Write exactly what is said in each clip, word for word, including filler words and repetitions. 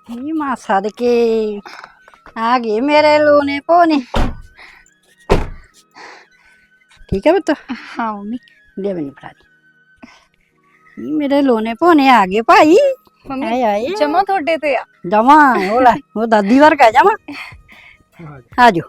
ਨੀ ਮਾਂ ਸਦਕੇ ਆ ਗਏ ਮੇਰੇ ਲੋਨੇ ਪੋਨੇ। ठीक है पुत? हाँ मम्मी। ले मैंने फड़ा दी। नी मेरे लोने पौने आ गए भाई। मम्मी आए आए जमा थोड़े ते आ जमा होला वो दादी वर्ग है जमा। आ जाओ।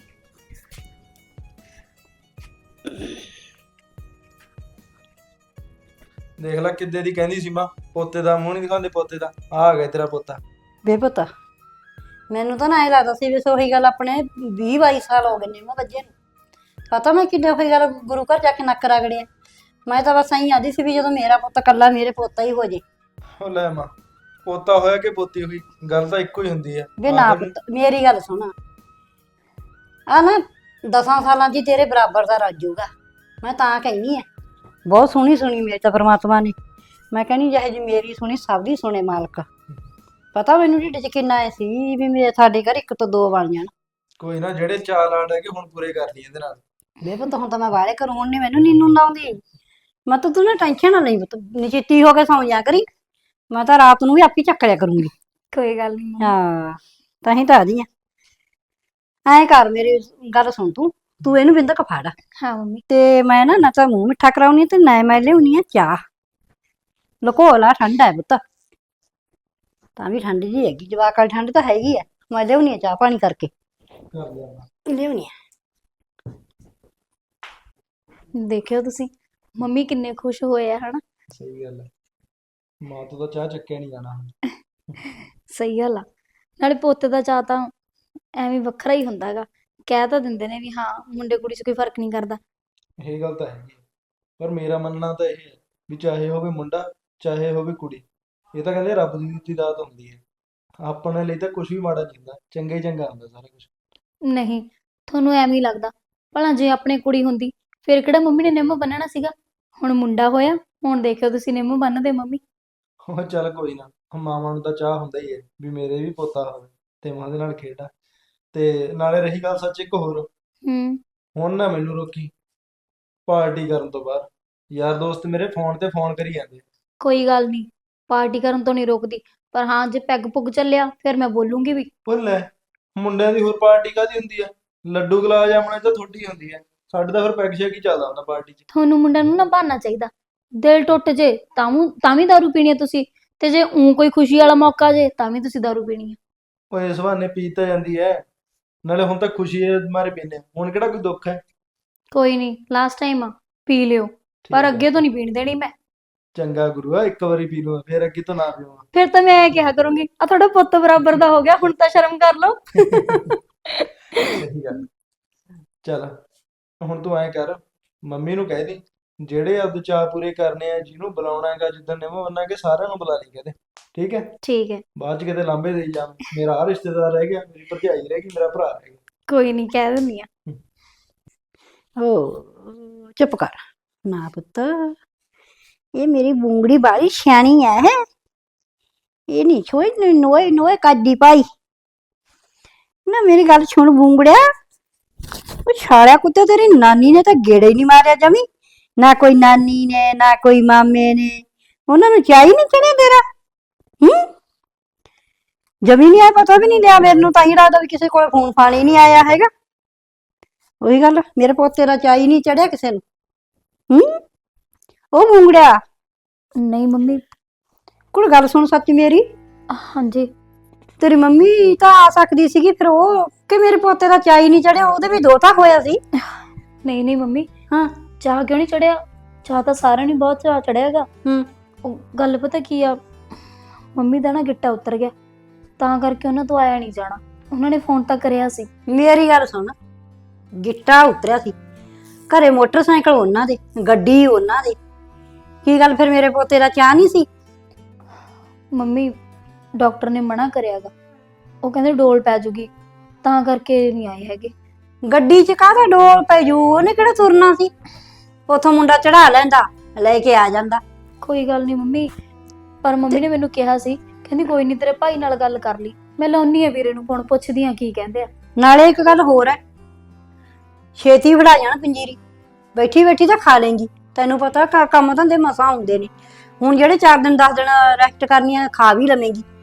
ਦੇਖ ਲੈ ਕਿੱਦੇ ਦੀ ਕਹਿੰਦੀ ਸੀ ਮਾਂ ਪੋਤੇ ਦਾ ਮੂੰਹ ਨਹੀਂ ਦਿਖਾਉਂਦੇ ਪੋਤੇ ਦਾ ਆ ਗਿਆ ਤੇਰਾ ਪੋਤਾ। बे पुत मैनू तो ना ये लगता सी भी सोही गल अपने बीस बाईस साल हो गए ने मैं बज्जे नूं। पता मैं किन्ने कोई गल गुरु घर जाके नक रगड़िया। मैं तो बस आई आदी सी भी जो मेरा पुत कल्ला मेरे पोता ही हो जे। ਉਹ ਲੈ ਮਾਂ ਪੋਤਾ ਹੋਇਆ ਕਿ ਪੋਤੀ ਹੋਈ ਗੱਲ ਤਾਂ ਇੱਕੋ ਹੀ ਹੁੰਦੀ ਹੈ। वे ना पुत मेरी गल सुन आ ना दसां सालां च तेरे बराबर दा राजूगा। मैं तां कहनी है बहुत सोहनी सुनी मेरे तो परमात्मा ने। मैं कहनी जहे जी मेरी सुनी सब दी सुने मालक। पता मैनू ढिड च किन्ना ऐ सी भी मेरे साडे घर एक तो दो बन जाण। ਕੋਈ ਨਾ ਜਿਹੜੇ ਚਾਲ ਆੜ ਹੈਗੇ ਹੁਣ ਪੂਰੇ ਕਰ ਲਈ ਇਹਦੇ ਨਾਲ। ਵੇ ਪੁੱਤ ਹੁਣ ਤਾਂ ਮੈਂ ਵਾਲੇ ਘਰੋਂ ਹੁਣ ਨੀ ਮੈਨੂੰ ਨੀਂਦ ਆਉਂਦੀ। ਮੈਂ ਤਾਂ ਤੂੰ ਨਾ ਟੈਨਸ਼ਨ ਨਾ ਲਈ ਪੁੱਤ ਨਿਚਿੱਤੀ ਹੋ ਕੇ ਸੌਂ ਜਾ ਕਰੀ। ਮੈਂ ਤਾਂ ਰਾਤ ਨੂੰ ਵੀ ਆਪੀ ਚੱਕ ਲਿਆ ਕਰੂੰਗੀ। कोई गल नहीं। ਹਾਂ ਤਾਂ ਹੀ ਤਾਂ ਆਦੀ ਆ। ਐਂ ਕਰ ਮੇਰੀ ਗੱਲ ਸੁਣ ਤੂੰ ਤੂੰ ਇਹਨੂੰ ਬਿੰਦਕ ਫੜ हाँ मम्मी। ਤੇ ਮੈਂ ਨਾ ਨਾ ਤਾਂ ਮੂੰਹ ਮਿੱਠਾ ਕਰਾਉਣੀ ਤੇ ਨਾ ਮੈਂ ਲਿਆਉਣੀ ਆ ਚਾਹ। ਲਕੋ ਲਾ ਠੰਡਾ ਹੈ ਪੁੱਤ ਤਾਂ ਵੀ ਠੰਡ ਜੀ ਹੈਗੀ ਜਵਾਕ ਵਾਲੀ ਠੰਡ ਤਾਂ ਹੈਗੀ ਆ। ਮੈਂ ਲਿਆਉਣੀ ਆ ਚਾਹ ਪਾਣੀ ਕਰਕੇ ਕਰ ਲਿਆ ਮਾਂ। ਲਿਆਉਣੀ ਆ। देखियो तुसी मम्मी किन्ने खुश होए है हना। ਸਹੀ ਗੱਲ ਹੈ ਮਾਂ ਤੋਂ ਤਾਂ ਚਾਹ ਚੱਕਿਆ ਨਹੀਂ ਜਾਣਾ ਹੁਣ। सही गल आ नाले पोते दा चाह तां ਐਵੇਂ ਵੱਖਰਾ ਹੀ ਹੁੰਦਾ ਹੈਗਾ। ਕਹਿ ਤਾਂ ਦਿੰਦੇ ਨੇ ਵੀ ਹਾਂ ਮੁੰਡੇ ਕੁੜੀ 'ਚ ਕੋਈ ਫਰਕ ਨਹੀਂ ਕਰਦਾ। ਇਹ ਗੱਲ ਤਾਂ ਹੈਗੀ ਹੈ। ਪਰ ਮੇਰਾ ਮੰਨਣਾ ਤਾਂ ਇਹ ਹੈ ਵੀ ਚਾਹੇ ਹੋਵੇ ਮੁੰਡਾ ਚਾਹੇ ਹੋਵੇ ਕੁੜੀ ਇਹ ਤਾਂ ਕਹਿੰਦੇ ਰੱਬ ਦੀ ਦਿੱਤੀ ਦਾਤ ਹੁੰਦੀ ਹੈ। ਆਪਣੇ ਲਈ ਤਾਂ ਕੁਝ ਵੀ ਮਾੜਾ ਨਹੀਂ ਹੁੰਦਾ ਚੰਗਾ ਹੀ ਚੰਗਾ ਹੁੰਦਾ ਸਾਰਾ ਕੁਝ। ਨਹੀਂ ਤੁਹਾਨੂੰ ਐਵੇਂ ਹੀ ਲੱਗਦਾ ਭਲਾ ਜੇ ਆਪਣੇ ਕੁੜੀ ਹੁੰਦੀ ਫਿਰ ਕਿਹੜਾ ਮੰਮੀ ਨੇ ਨਿੰਮ ਬੰਨਣਾ ਸੀਗਾ। ਹੁਣ ਮੁੰਡਾ ਹੋਇਆ ਹੁਣ ਦੇਖਿਓ ਤੁਸੀਂ ਨਿੰਮ ਬੰਨਦੇ ਮੰਮੀ। ਉਹ ਚੱਲ ਕੋਈ ਨਾ ਮਾਵਾਂ ਨੂੰ ਤਾਂ ਚਾਹ ਹੁੰਦਾ ਹੀ ਹੈ ਵੀ ਮੇਰੇ ਵੀ ਪੋਤਾ ਹੋਵੇ ਤੇ ਮੈਂ ਉਹਦੇ ਨਾਲ ਖੇਡਾਂ। ਤੇ ਨਾਲੇ ਰਹੀ ਗੱਲ ਸੱਚ ਇੱਕ ਹੋਰ ਹੂੰ ਹੁਣ ਨਾ ਮੈਨੂੰ ਰੋਕੀ ਪਾਰਟੀ ਕਰਨ ਤੋਂ ਬਾਅਦ ਯਾਰ ਦੋਸਤ ਮੇਰੇ ਫੋਨ ਤੇ ਫੋਨ ਕਰੀ ਜਾਂਦੇ। ਕੋਈ ਗੱਲ ਨਹੀਂ ਪਾਰਟੀ ਕਰਨ ਤੋਂ ਨਹੀਂ ਰੋਕਦੀ ਪਰ ਹਾਂ ਜੇ ਪੈਗ ਪੁੱਗ ਚੱਲਿਆ ਫਿਰ ਮੈਂ ਬੋਲੂੰਗੀ ਵੀ। ਉਹ ਲੈ ਮੁੰਡਿਆਂ ਦੀ ਹੋਰ ਪਾਰਟੀ ਕਾਹਦੀ ਹੁੰਦੀ ਹੈ ਲੱਡੂ ਗੁਲਾਬ ਜਾਮਣੇ ਤਾਂ ਥੋੜੀ ਹੁੰਦੀ ਹੈ ਸਾਡੇ ਤਾਂ ਫਿਰ ਪੈਗ ਸ਼ੈਗ ਹੀ ਚੱਲਦਾ ਹੁੰਦਾ ਪਾਰਟੀ 'ਚ। ਤੁਹਾਨੂੰ ਮੁੰਡਿਆਂ ਨੂੰ ਨਾ ਬਹਾਨਾ ਚਾਹੀਦਾ ਦਿਲ ਟੁੱਟ ਜੇ ਤਾਂ ਵੀ ਤਾਂ ਵੀ ਦਾਰੂ ਪੀਣੀ ਹੈ ਤੁਸੀਂ ਤੇ ਜੇ ਊਂ ਕੋਈ ਖੁਸ਼ੀ ਵਾਲਾ ਮੌਕਾ ਜੇ ਤਾਂ ਵੀ ਤੁਸੀਂ ਦਾਰੂ ਪੀਣੀ ਹੈ। ਉਹ ਇਸ ਬਹਾਨੇ ਪੀ ਤਾਂ ਜਾਂਦੀ ਹੈ ਨਾਲੇ ਹੁਣ ਤਾਂ ਖੁਸ਼ੀ ਹੈ ਮਾਰੇ ਪੀਂਦੇ ਹਾਂ। ਹੁਣ ਕਿਹੜਾ ਕੋਈ ਦੁੱਖ ਹੈ। ਕੋਈ ਨਹੀਂ ਲਾਸਟ ਟਾਈਮ ਆ ਪੀ ਲਿਓ ਠੀਕ ਪਰ ਹੈ। ਅੱਗੇ ਤੋਂ ਨਹੀਂ ਪੀਣ ਦੇਣੀ ਮੈਂ। ਚੰਗਾ ਗੁਰੂ ਆ ਇੱਕ ਵਾਰੀ ਪੀ ਲੂੰਗਾ ਫਿਰ ਅੱਗੇ ਤੋਂ ਨਾ ਪੀਵਾਂ। ਫਿਰ ਤਾਂ ਮੈਂ ਇਹ ਕਿਹਾ ਕਰੂੰਗੀ ਆ ਤੁਹਾਡਾ ਪੁੱਤ ਬਰਾਬਰ ਦਾ ਹੋ ਗਿਆ ਹੁਣ ਤਾਂ ਸ਼ਰਮ ਕਰ ਲਓ। ਸਹੀ ਗੱਲ ਚੱਲ ਹੁਣ ਤੂੰ ਐਂ ਕਰ ਮੰਮੀ ਨੂੰ ਕਹਿ ਦੇ ਜਿਹੜੇ ਆਪਦੇ ਚਾਅ ਪੂਰੇ ਕਰਨੇ ਆ ਜਿਹਨੂੰ ਬੁਲਾਉਣਾ ਹੈਗਾ ਜਿੱਦਣ ਨਿੰਮ ਬੰਨਾਂਗੇ ਸਾਰਿਆਂ ਨੂੰ ਬੁਲਾ ਲਈ ਕਹਿੰਦੇ ਠੀਕ ਹੈ। ਠੀਕ ਹੈ ਬਾਅਦ ਚ ਕਿਤੇ ਲਾਂਭੇ ਦੇਈ ਜਾ ਮੇਰਾ ਆਹ ਰਿਸ਼ਤੇਦਾਰ ਰਹਿ ਗਿਆ ਮੇਰੀ ਭਰਜਾਈ ਰਹਿ ਗਈ ਮੇਰਾ ਭਰਾ ਰਹਿ ਗਿਆ। ਕੋਈ ਨਹੀਂ ਕਹਿ ਦਿੰਦੀ ਆ। ओ चुप कर ना पुत ये मेरी बूंगड़ी बाली सियानी है। ये नहीं छोई नोए नोए कादी पाई ना मेरी गल सुन बूंगड़िया वो छाड़िया कुत्ते तेरी नानी ने तो गेड़े ही नहीं मारिया जमी ना कोई नानी ने ना कोई मामे ने उन्होंने चाही नहीं चढ़िया तेरा हम्म जमी नहीं आया पता भी नहीं लिया मेरे नूं तां ही लगदा भी किसी को फोन फान ही नहीं आया हैगा। ਉਹੀ ਗੱਲ ਮੇਰੇ ਪੋਤੇ ਦਾ ਚਾਈ ਨਹੀਂ ਚੜਿਆ ਕਿਸੇ ਨੂੰ ਹੂੰ ਉਹ ਮੁੰਗੜਿਆ। ਨਹੀਂ ਮੰਮੀ। ਕੁੜ ਗੱਲ ਸੁਣ ਸੱਚ ਮੇਰੀ ਹਾਂਜੀ ਤੇਰੀ ਮੰਮੀ ਤਾਂ ਆ ਸਕਦੀ ਸੀਗੀ ਫਿਰ ਉਹ ਕਿ ਮੇਰੇ ਪੋਤੇ ਦਾ ਚਾਈ ਨਹੀਂ ਚੜਿਆ ਉਹਦੇ ਵੀ ਦੋਤਾ ਹੋਇਆ ਸੀ। ਨਹੀਂ ਨਹੀਂ ਮੰਮੀ ਹਾਂ ਚਾਹ ਕਿਉਂ ਨਹੀਂ ਚੜਿਆ ਚਾਹ ਤਾਂ ਸਾਰਿਆਂ ਨੂੰ ਬਹੁਤ ਚਾਹ ਚੜਿਆਗਾ। ਹੂੰ ਉਹ ਗੱਲ ਪਤਾ ਕੀ ਆ ਮੰਮੀ ਦਾ ਨਾ ਗਿੱਟਾ ਉਤਰ ਗਿਆ ਤਾਂ ਕਰਕੇ ਉਹਨਾਂ ਤੋਂ ਆਇਆ ਨਹੀਂ ਜਾਣਾ। ਉਹਨਾਂ ਨੇ ਫੋਨ ਤਾਂ ਕਰਿਆ ਸੀ। ਮੇਰੀ ਗੱਲ ਸੁਣ ਗਿੱਟਾ ਉਤਰਿਆ ਸੀ ਘਰੇ ਮੋਟਰਸਾਈਕਲ ਉਹਨਾਂ ਦੇ ਗੱਡੀ ਉਹਨਾਂ ਦੀ ਕੀ ਗੱਲ ਫਿਰ ਮੇਰੇ ਪੋਤੇ ਦਾ ਚਾਹ ਨਹੀਂ ਸੀ। ਮੰਮੀ ਡਾਕਟਰ ਨੇ ਮਨਾ ਕਰਿਆਗਾ ਉਹ ਕਹਿੰਦੇ ਡੋਲ ਪੈ ਜੂਗੀ ਤਾਂ ਕਰਕੇ ਨਹੀਂ ਆਏ ਹੈਗੇ। ਗੱਡੀ 'ਚ ਕਾਹਦਾ ਡੋਲ ਪੈ ਜੂ ਉਹਨੇ ਕਿਹੜਾ ਤੁਰਨਾ ਸੀ ਉਥੋਂ ਮੁੰਡਾ ਚੜਾ ਲੈਂਦਾ ਲੈ ਕੇ ਆ ਜਾਂਦਾ। ਕੋਈ ਗੱਲ ਨਹੀਂ ਮੰਮੀ ਪਰ ਮੰਮੀ ਨੇ ਮੈਨੂੰ ਕਿਹਾ ਸੀ ਕਹਿੰਦੀ ਕੋਈ ਨਹੀਂ ਤੇਰੇ ਭਾਈ ਨਾਲ ਗੱਲ ਕਰ ਲਈ। ਮੈਂ ਲਾਉਣੀ ਆ ਵੀਰੇ ਨੂੰ ਫੋਨ ਪੁੱਛਦੀ ਆ ਕੀ ਕਹਿੰਦੇ ਆ। ਨਾਲੇ ਇੱਕ ਗੱਲ ਹੋਰ ਹੈ ਛੇਤੀ ਵੜਾ ਜਾਣਾ ਪੰਜੀਰੀ ਬੈਠੀ ਬੈਠੀ ਤਾਂ ਖਾ ਲੇਂਗੀ ਤੈਨੂੰ ਪਤਾ ਕੰਮ ਧੰਦੇ ਮਸਾਂ ਹੁੰਦੇ ਨੇ ਹੁਣ ਜਿਹੜੇ ਚਾਰ ਦਿਨ ਦਸ ਦਿਨ ਰੈਸਟ ਕਰਨੀ ਆ ਖਾ ਵੀ ਲਵੇਂਗੀ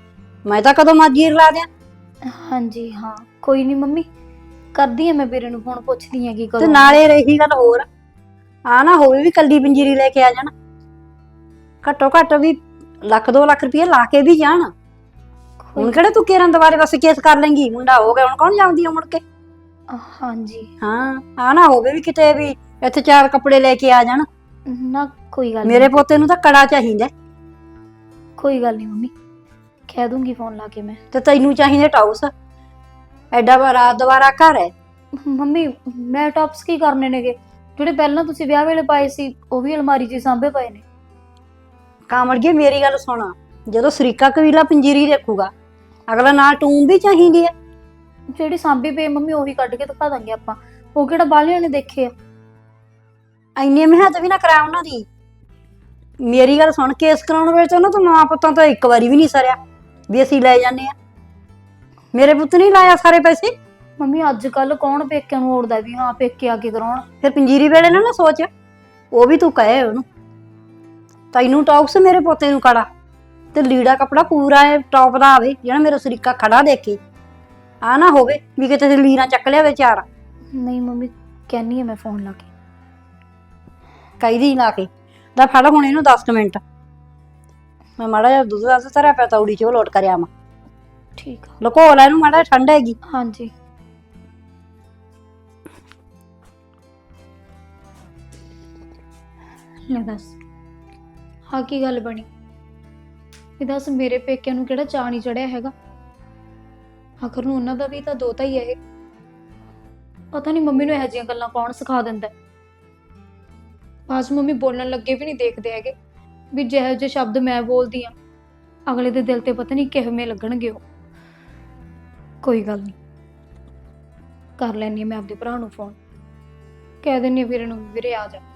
ਮੈਂ ਤਾਂ ਕਦੋਂ ਮਰਜ਼ੀ ਰਲਾ ਦਿਆਂ। ਹਾਂਜੀ ਹਾਂ, ਕੋਈ ਨਹੀਂ ਮੰਮੀ, ਕਰਦੀ ਆ ਮੈਂ ਵੀਰੇ ਨੂੰ ਫੋਨ, ਪੁੱਛਦੀ ਆ ਕੀ ਤੇ ਕਦੋਂ। ਨਾਲੇ ਰਹੀ ਗੱਲ ਹੋਰ, ਆ ਨਾ ਹੋਵੇ ਵੀ ਕੱਲੀ ਪੰਜੀਰੀ ਲੈ ਕੇ ਆ ਜਾਣ, ਘੱਟੋ ਘੱਟ ਵੀ ਲੱਖ ਦੋ ਲੱਖ ਰੁਪਏ ਲਾ ਕੇ ਵੀ ਜਾਣ। ਹੁਣ ਕਿਹੜਾ ਤੂੰ ਕੇਰਾਂ ਦੁਬਾਰੇ ਬਸ ਕੇਸ ਕਰ ਲੇਂਗੀ, ਮੁੰਡਾ ਹੋ ਗਿਆ ਹੁਣ ਕੌਣ ਜਾਂਦੀ ਆ ਮੁੜ ਕੇ। ਹਾਂਜੀ ਹਾਂ, ਆ ਨਾ ਹੋਵੇ ਵੀ ਕਿਤੇ ਵੀ ਇੱਥੇ ਚਾਰ ਕੱਪੜੇ ਲੈ ਕੇ ਆ ਜਾਣ। ਨਾ ਕੋਈ ਗੱਲ ਮੇਰੇ ਨਹੀਂ, ਪੋਤੇ ਨੂੰ ਤਾਂ ਕੜਾ ਚਾਹੀਦਾ, ਕੋਈ ਗੱਲ ਨਹੀਂ ਮੰਮੀ, ਕਹਿ ਦੂੰਗੀ ਫੋਨ ਲਾ ਕੇ ਮੈਂ। ਤੇ ਤੈਨੂੰ ਚਾਹੀਦੇ ਟਾਊਸ। ਐਡਾ ਬੜਾ ਦੁਬਾਰਾ ਘਰ ਹੈ। ਮੰਮੀ ਮੈਂ ਟੌਪਸ ਕੀ ਕਰਨੇ ਨੇਗੇ, ਜਿਹੜੇ ਪਹਿਲਾਂ ਤੁਸੀਂ ਵਿਆਹ ਵੇਲੇ ਪਾਏ ਸੀ ਉਹ ਵੀ ਅਲਮਾਰੀ 'ਚ ਹੀ ਸਾਂਭੇ ਪਏ ਨੇ। ਕਾਮੜੀਏ ਮੇਰੀ ਗੱਲ ਸੁਣਾ, ਜਦੋਂ ਸਰੀਕਾ ਕਬੀਲਾ ਪੰਜੀਰੀ ਦੇਖੂਗਾ ਅਗਲਾ ਨਾਲ ਟੂਮ ਵੀ ਚਾਹੀਦੀ ਹੈ। ਜਿਹੜੀ ਸਾਂਭੀ ਪਈ ਮੰਮੀ ਉਹੀ ਕੱਢ ਕੇ ਦਿਖਾ ਦਾਂਗੇ ਆਪਾਂ, ਉਹ ਕਿਹੜਾ ਬਾਹਲਿਆਂ ਨੇ ਦੇਖੇ ਆ। ਇੰਨੀ ਮਿਹਨਤ ਵੀ ਨਾ ਕਰਾ ਉਹਨਾਂ ਦੀ। ਮੇਰੀ ਗੱਲ ਸੁਣ, ਕੇਸ ਕਰਾਉਣ ਵੇਲੇ ਤਾਂ ਉਹਨਾਂ ਤੋਂ ਮਾਂ ਪੁੱਤਾਂ ਤੋਂ ਇੱਕ ਵਾਰੀ ਵੀ ਨਹੀਂ ਸਰਿਆ ਵੀ ਅਸੀਂ ਲੈ ਜਾਂਦੇ ਆ। ਮੇਰੇ ਪੁੱਤ ਨਹੀਂ ਲਾਇਆ ਸਾਰੇ ਪੈਸੇ। ਮੰਮੀ ਅੱਜ ਕੱਲ ਕੌਣ ਪੇਕਿਆਂ ਨੂੰ ਓੜਦਾ ਵੀ ਹਾਂ ਪੇਕੇ ਆ ਕੇ ਕਰਾਉਣ। ਫਿਰ ਪੰਜੀਰੀ ਵੇਲੇ ਨਾ ਨਾ ਸੋਚ, ਉਹ ਵੀ ਤੂੰ ਕਹੇ ਉਹਨੂੰ ਤੈਨੂੰ ਟੌਕਸ, ਮੇਰੇ ਪੋਤੇ ਨੂੰ ਕੜਾ, ਤੇ ਲੀੜਾ ਕੱਪੜਾ ਪੂਰਾ ਟੌਪ ਦਾ ਆਵੇ ਜਿਹੜਾ ਮੇਰਾ ਸਰੀਕਾ ਖੜਾ ਦੇਖੇ। ਆ ਨਾ ਹੋਵੇ ਵੀ ਕਿਤੇ ਲੀਰਾਂ ਚੱਕ ਲਿਆਵੇ ਚਾਰ। ਨਹੀਂ ਮੰਮੀ, ਕਹਿੰਨੀ ਆ ਮੈਂ ਫੋਨ ਲਾ ਕੇ। ਕਹੀਦੀ ਲਾ ਕੇ ਦਾ ਫੜ ਹੁਣ ਇਹਨੂੰ ਦਸ ਮਿੰਟ, ਮੈਂ ਮਾੜਾ ਜਿਹਾ ਦੁੱਧ ਦਾ ਧਰਿਆ ਪਿਆ ਤੌੜੀ ਚ ਉਹ ਲੋਟ ਕਰਿਆ ਵਾ। ਠੀਕ ਆ। ਲੁਕੋ ਲੈ ਇਹਨੂੰ, ਮਾੜਾ ਜਿਹਾ ਠੰਡ ਹੈਗੀ। ਹਾਂਜੀ ਲੈ ਦੱਸ, ਹਾਂ ਕੀ ਗੱਲ ਬਣੀ? ਇਹ ਦੱਸ, ਮੇਰੇ ਪੇਕਿਆਂ ਨੂੰ ਕਿਹੜਾ ਚਾਅ ਨਹੀਂ ਚੜਿਆ ਹੈਗਾ? ਆਖਰ ਨੂੰ ਉਹਨਾਂ ਦਾ ਵੀ ਤਾਂ ਦੋਤਾ ਹੀ ਹੈ ਇਹ। ਪਤਾ ਨਹੀਂ ਮੰਮੀ ਨੂੰ ਇਹੋ ਜਿਹੀਆਂ ਗੱਲਾਂ ਕੌਣ ਸਿਖਾ ਦਿੰਦਾ। ਬਾਅਦ ਮੰਮੀ ਬੋਲਣ ਲੱਗੇ ਵੀ ਨਹੀਂ ਦੇਖਦੇ ਹੈਗੇ ਵੀ ਜਿਹੋ ਜਿਹੇ ਸ਼ਬਦ ਮੈਂ ਬੋਲਦੀ ਆ ਅਗਲੇ ਦੇ ਦਿਲ ਤੇ ਪਤਾ ਨਹੀਂ ਕਿਵੇਂ ਲੱਗਣਗੇ ਉਹ। ਕੋਈ ਗੱਲ ਨਹੀਂ, ਕਰ ਲੈਣੀ ਮੈਂ ਆਪਦੇ ਭਰਾ ਨੂੰ ਫੋਨ, ਕਹਿ ਦਿੰਨੀ ਆ ਵੀਰੇ ਨੂੰ, ਵੀਰੇ ਆ ਜਾ।